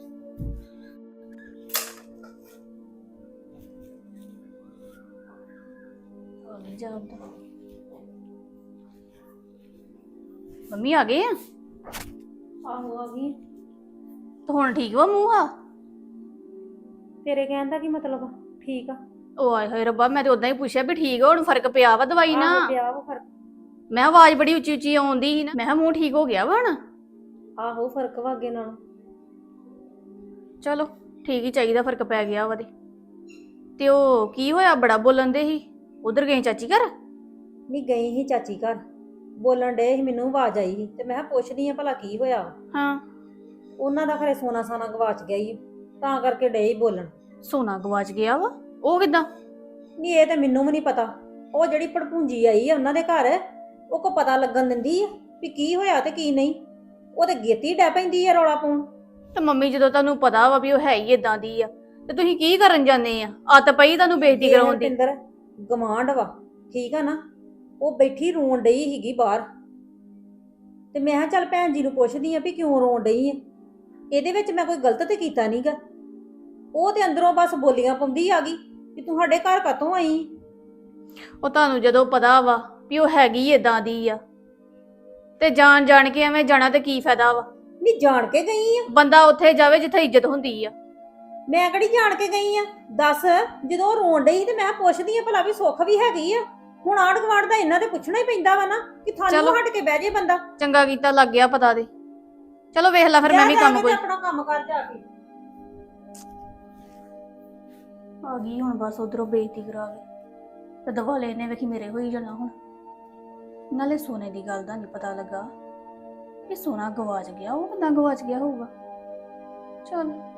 [SPEAKER 5] ਮੰਮੀ ਆ ਗਏ ਆ
[SPEAKER 1] ਆਹੋ ਆ ਗਈ
[SPEAKER 5] ਤਾਂ ਹੁਣ ਠੀਕ ਵਾ ਮੂੰਹ ਆ
[SPEAKER 1] ਤੇਰੇ ਕਹਿਣ ਦਾ ਕੀ ਮਤਲਬ ਠੀਕ ਆ
[SPEAKER 5] ਉਹ ਆਏ ਹੋਏ ਰੱਬਾ ਮੈਂ ਤੇ ਉਦਾਂ ਹੀ ਪੁੱਛਿਆ ਵੀ ਠੀਕ ਆ ਹੁਣ ਫਰਕ ਪਿਆ ਵਾ ਦਵਾਈ ਨਾ
[SPEAKER 1] ਆਹੋ ਪਿਆ ਵਾ ਫਰਕ
[SPEAKER 5] ਮੈਂ ਕਿਹਾ ਆਵਾਜ਼ ਬੜੀ ਉੱਚੀ ਉੱਚੀ ਆਉਂਦੀ ਸੀ ਨਾ ਮੈਂ ਕਿਹਾ ਮੂੰਹ ਠੀਕ ਹੋ ਗਿਆ ਵਾ ਹੁਣ
[SPEAKER 1] ਆਹੋ ਫਰਕ ਵਾ ਅੱਗੇ ਨਾਲੋਂ
[SPEAKER 5] ਚਲੋ ਠੀਕ ਹੀ ਚਾਹੀਦਾ ਫਰਕ ਪੈ ਗਿਆ ਵਾ ਤੇ ਤੇ ਉਹ ਕੀ ਹੋਇਆ ਬੜਾ ਬੋਲਣ ਦੇ ਸੀ ਉਧਰ ਗਈ ਚਾਚੀ ਘਰ
[SPEAKER 2] ਨਹੀਂ ਗਈ ਸੀ ਚਾਚੀ ਘਰ ਬੋਲਣ ਡੇ ਸੀ ਮੈਨੂੰ ਆਵਾਜ਼ ਆਈ ਸੀ ਤੇ ਮੈਂ ਕਿਹਾ ਪੁੱਛਦੀ ਆ ਭਲਾ ਕੀ ਹੋਇਆ
[SPEAKER 5] ਹਾਂ
[SPEAKER 2] ਉਹਨਾਂ ਦਾ ਖਰੇ ਸੋਨਾ ਸਾਨਾ ਗਵਾਚ ਗਿਆ ਈ ਤਾਂ ਕਰਕੇ ਡੇ ਹੀ ਬੋਲਣ
[SPEAKER 5] ਸੋਨਾ ਗਵਾਚ ਗਿਆ ਵਾ ਉਹ ਕਿਦਾਂ
[SPEAKER 2] ਨਹੀਂ ਇਹ ਤੇ ਮੈਨੂੰ ਵੀ ਨਹੀਂ ਪਤਾ ਉਹ ਜਿਹੜੀ ਭੜਪੂੰਜੀ ਆਈ ਆ ਉਹਨਾਂ ਦੇ ਘਰ ਉਹ ਕੋ ਪਤਾ ਲੱਗਣ ਦਿੰਦੀ ਆ ਵੀ ਕੀ ਹੋਇਆ ਤੇ ਕੀ ਨਹੀਂ ਉਹ ਤੇ ਗੇਤੀ ਡੈ ਪੈਂਦੀ ਆ ਰੌਲਾ ਪਾਉਣ
[SPEAKER 5] ਤੇ ਮੰਮੀ ਜਦੋਂ ਤੁਹਾਨੂੰ ਪਤਾ ਵਾ ਵੀ ਉਹ ਹੈ ਹੀ ਇਦਾਂ ਦੀ ਆ ਤੇ ਤੁਸੀਂ ਕੀ ਕਰਨ ਜਾਂਦੇ ਆ ਅੱਤ ਪਈ ਤੁਹਾਨੂੰ ਬੇਇੱਜ਼ਤੀ ਕਰਾਉਣ ਦੀ
[SPEAKER 2] ਪਿੰਦਰ ਗਵਾਂਢ ਵਾ ਠੀਕ ਆ ਨਾ ਉਹ ਬੈਠੀ ਰੋਣ ਡਈ ਸੀਗੀ ਬਾਹਰ ਤੇ ਮੈਂ ਕਿਹਾ ਚੱਲ ਭੈਣ ਜੀ ਨੂੰ ਪੁੱਛਦੀ ਆ ਵੀ ਕਿਉਂ ਰੋਣ ਡਈ ਆ ਇਹਦੇ ਵਿੱਚ ਮੈਂ ਕੋਈ ਗਲਤ ਤੇ ਕੀਤਾ ਨਹੀਂਗਾ ਉਹ ਤੇ ਅੰਦਰੋਂ ਬਸ ਬੋਲੀਆਂ ਪਾਉਂਦੀ ਆ ਗਈ ਕਿ ਤੂੰ ਸਾਡੇ ਘਰ ਕਾਤੋਂ ਆਈ
[SPEAKER 5] ਉਹ ਤੁਹਾਨੂੰ ਜਦੋਂ ਪਤਾ ਵਾ ਵੀ ਉਹ ਹੈਗੀ ਇਦਾਂ ਦੀ ਆ ਤੇ ਜਾਣ ਜਾਣ ਕੇ ਐਵੇਂ ਜਾਣਾ ਤੇ ਕੀ ਫਾਇਦਾ ਵਾ
[SPEAKER 2] ਨਹੀਂ ਜਾਣ ਕੇ ਗਈ ਆ
[SPEAKER 5] ਬੰਦਾ ਉੱਥੇ ਜਾਵੇ ਜਿੱਥੇ ਇੱਜ਼ਤ ਹੁੰਦੀ ਆ
[SPEAKER 2] ਮੈਂ ਕਿਹੜੀ ਜਾਣ ਕੇ ਗਈ ਆ ਦੱਸ ਜਦੋਂ ਉਹ ਰੋਣ ਡਈ ਤੇ ਮੈਂ ਪੁੱਛਦੀ ਆ ਭਲਾ ਵੀ ਸੁੱਖ ਵੀ ਹੈਗੀ ਆ ਹੁਣ ਆਂਢ ਗੁਆਂਢ ਦਾ ਇਹਨਾਂ ਤੇ ਪੁੱਛਣਾ ਹੀ ਪੈਂਦਾ ਵਾ ਨਾ ਕਿ
[SPEAKER 5] ਚਲੋ।
[SPEAKER 2] ਥਾਨੂੰ ਹਟ ਕੇ ਬਹਿ ਜੇ ਬੰਦਾ
[SPEAKER 5] ਚੰਗਾ ਕੀਤਾ ਲੱਗ ਗਿਆ ਪਤਾ ਦੇ ਚਲੋ ਵੇਖ ਲੈ ਫਿਰ ਮੈਂ ਵੀ
[SPEAKER 2] ਜਾ
[SPEAKER 5] ਕੰਮ
[SPEAKER 2] ਕੇ
[SPEAKER 5] ਕੋਈ
[SPEAKER 2] ਤੇ ਆਪਣਾ ਕੰਮ ਕਰ ਜਾ ਕੇ
[SPEAKER 5] ਆ ਗਈ ਹੁਣ ਬਸ ਉਧਰੋਂ ਬੇਇੱਜ਼ਤੀ ਕਰਾ ਕੇ ਤੇ ਦਵਾਲੇ ਨੇ ਵੇਖੀ ਮੇਰੇ ਹੋਈ ਜਾਣਾ ਹੁਣ ਨਾਲੇ ਸੋਨੇ ਦੀ ਗੱਲ ਦਾ ਨਹੀਂ ਪਤਾ ਲੱਗਾ ਇਹ ਸੋਨਾ ਗਵਾਚ ਗਿਆ ਉਹ ਕਿੱਦਾਂ ਗਵਾਚ ਗਿਆ ਹੋਊਗਾ ਚਲ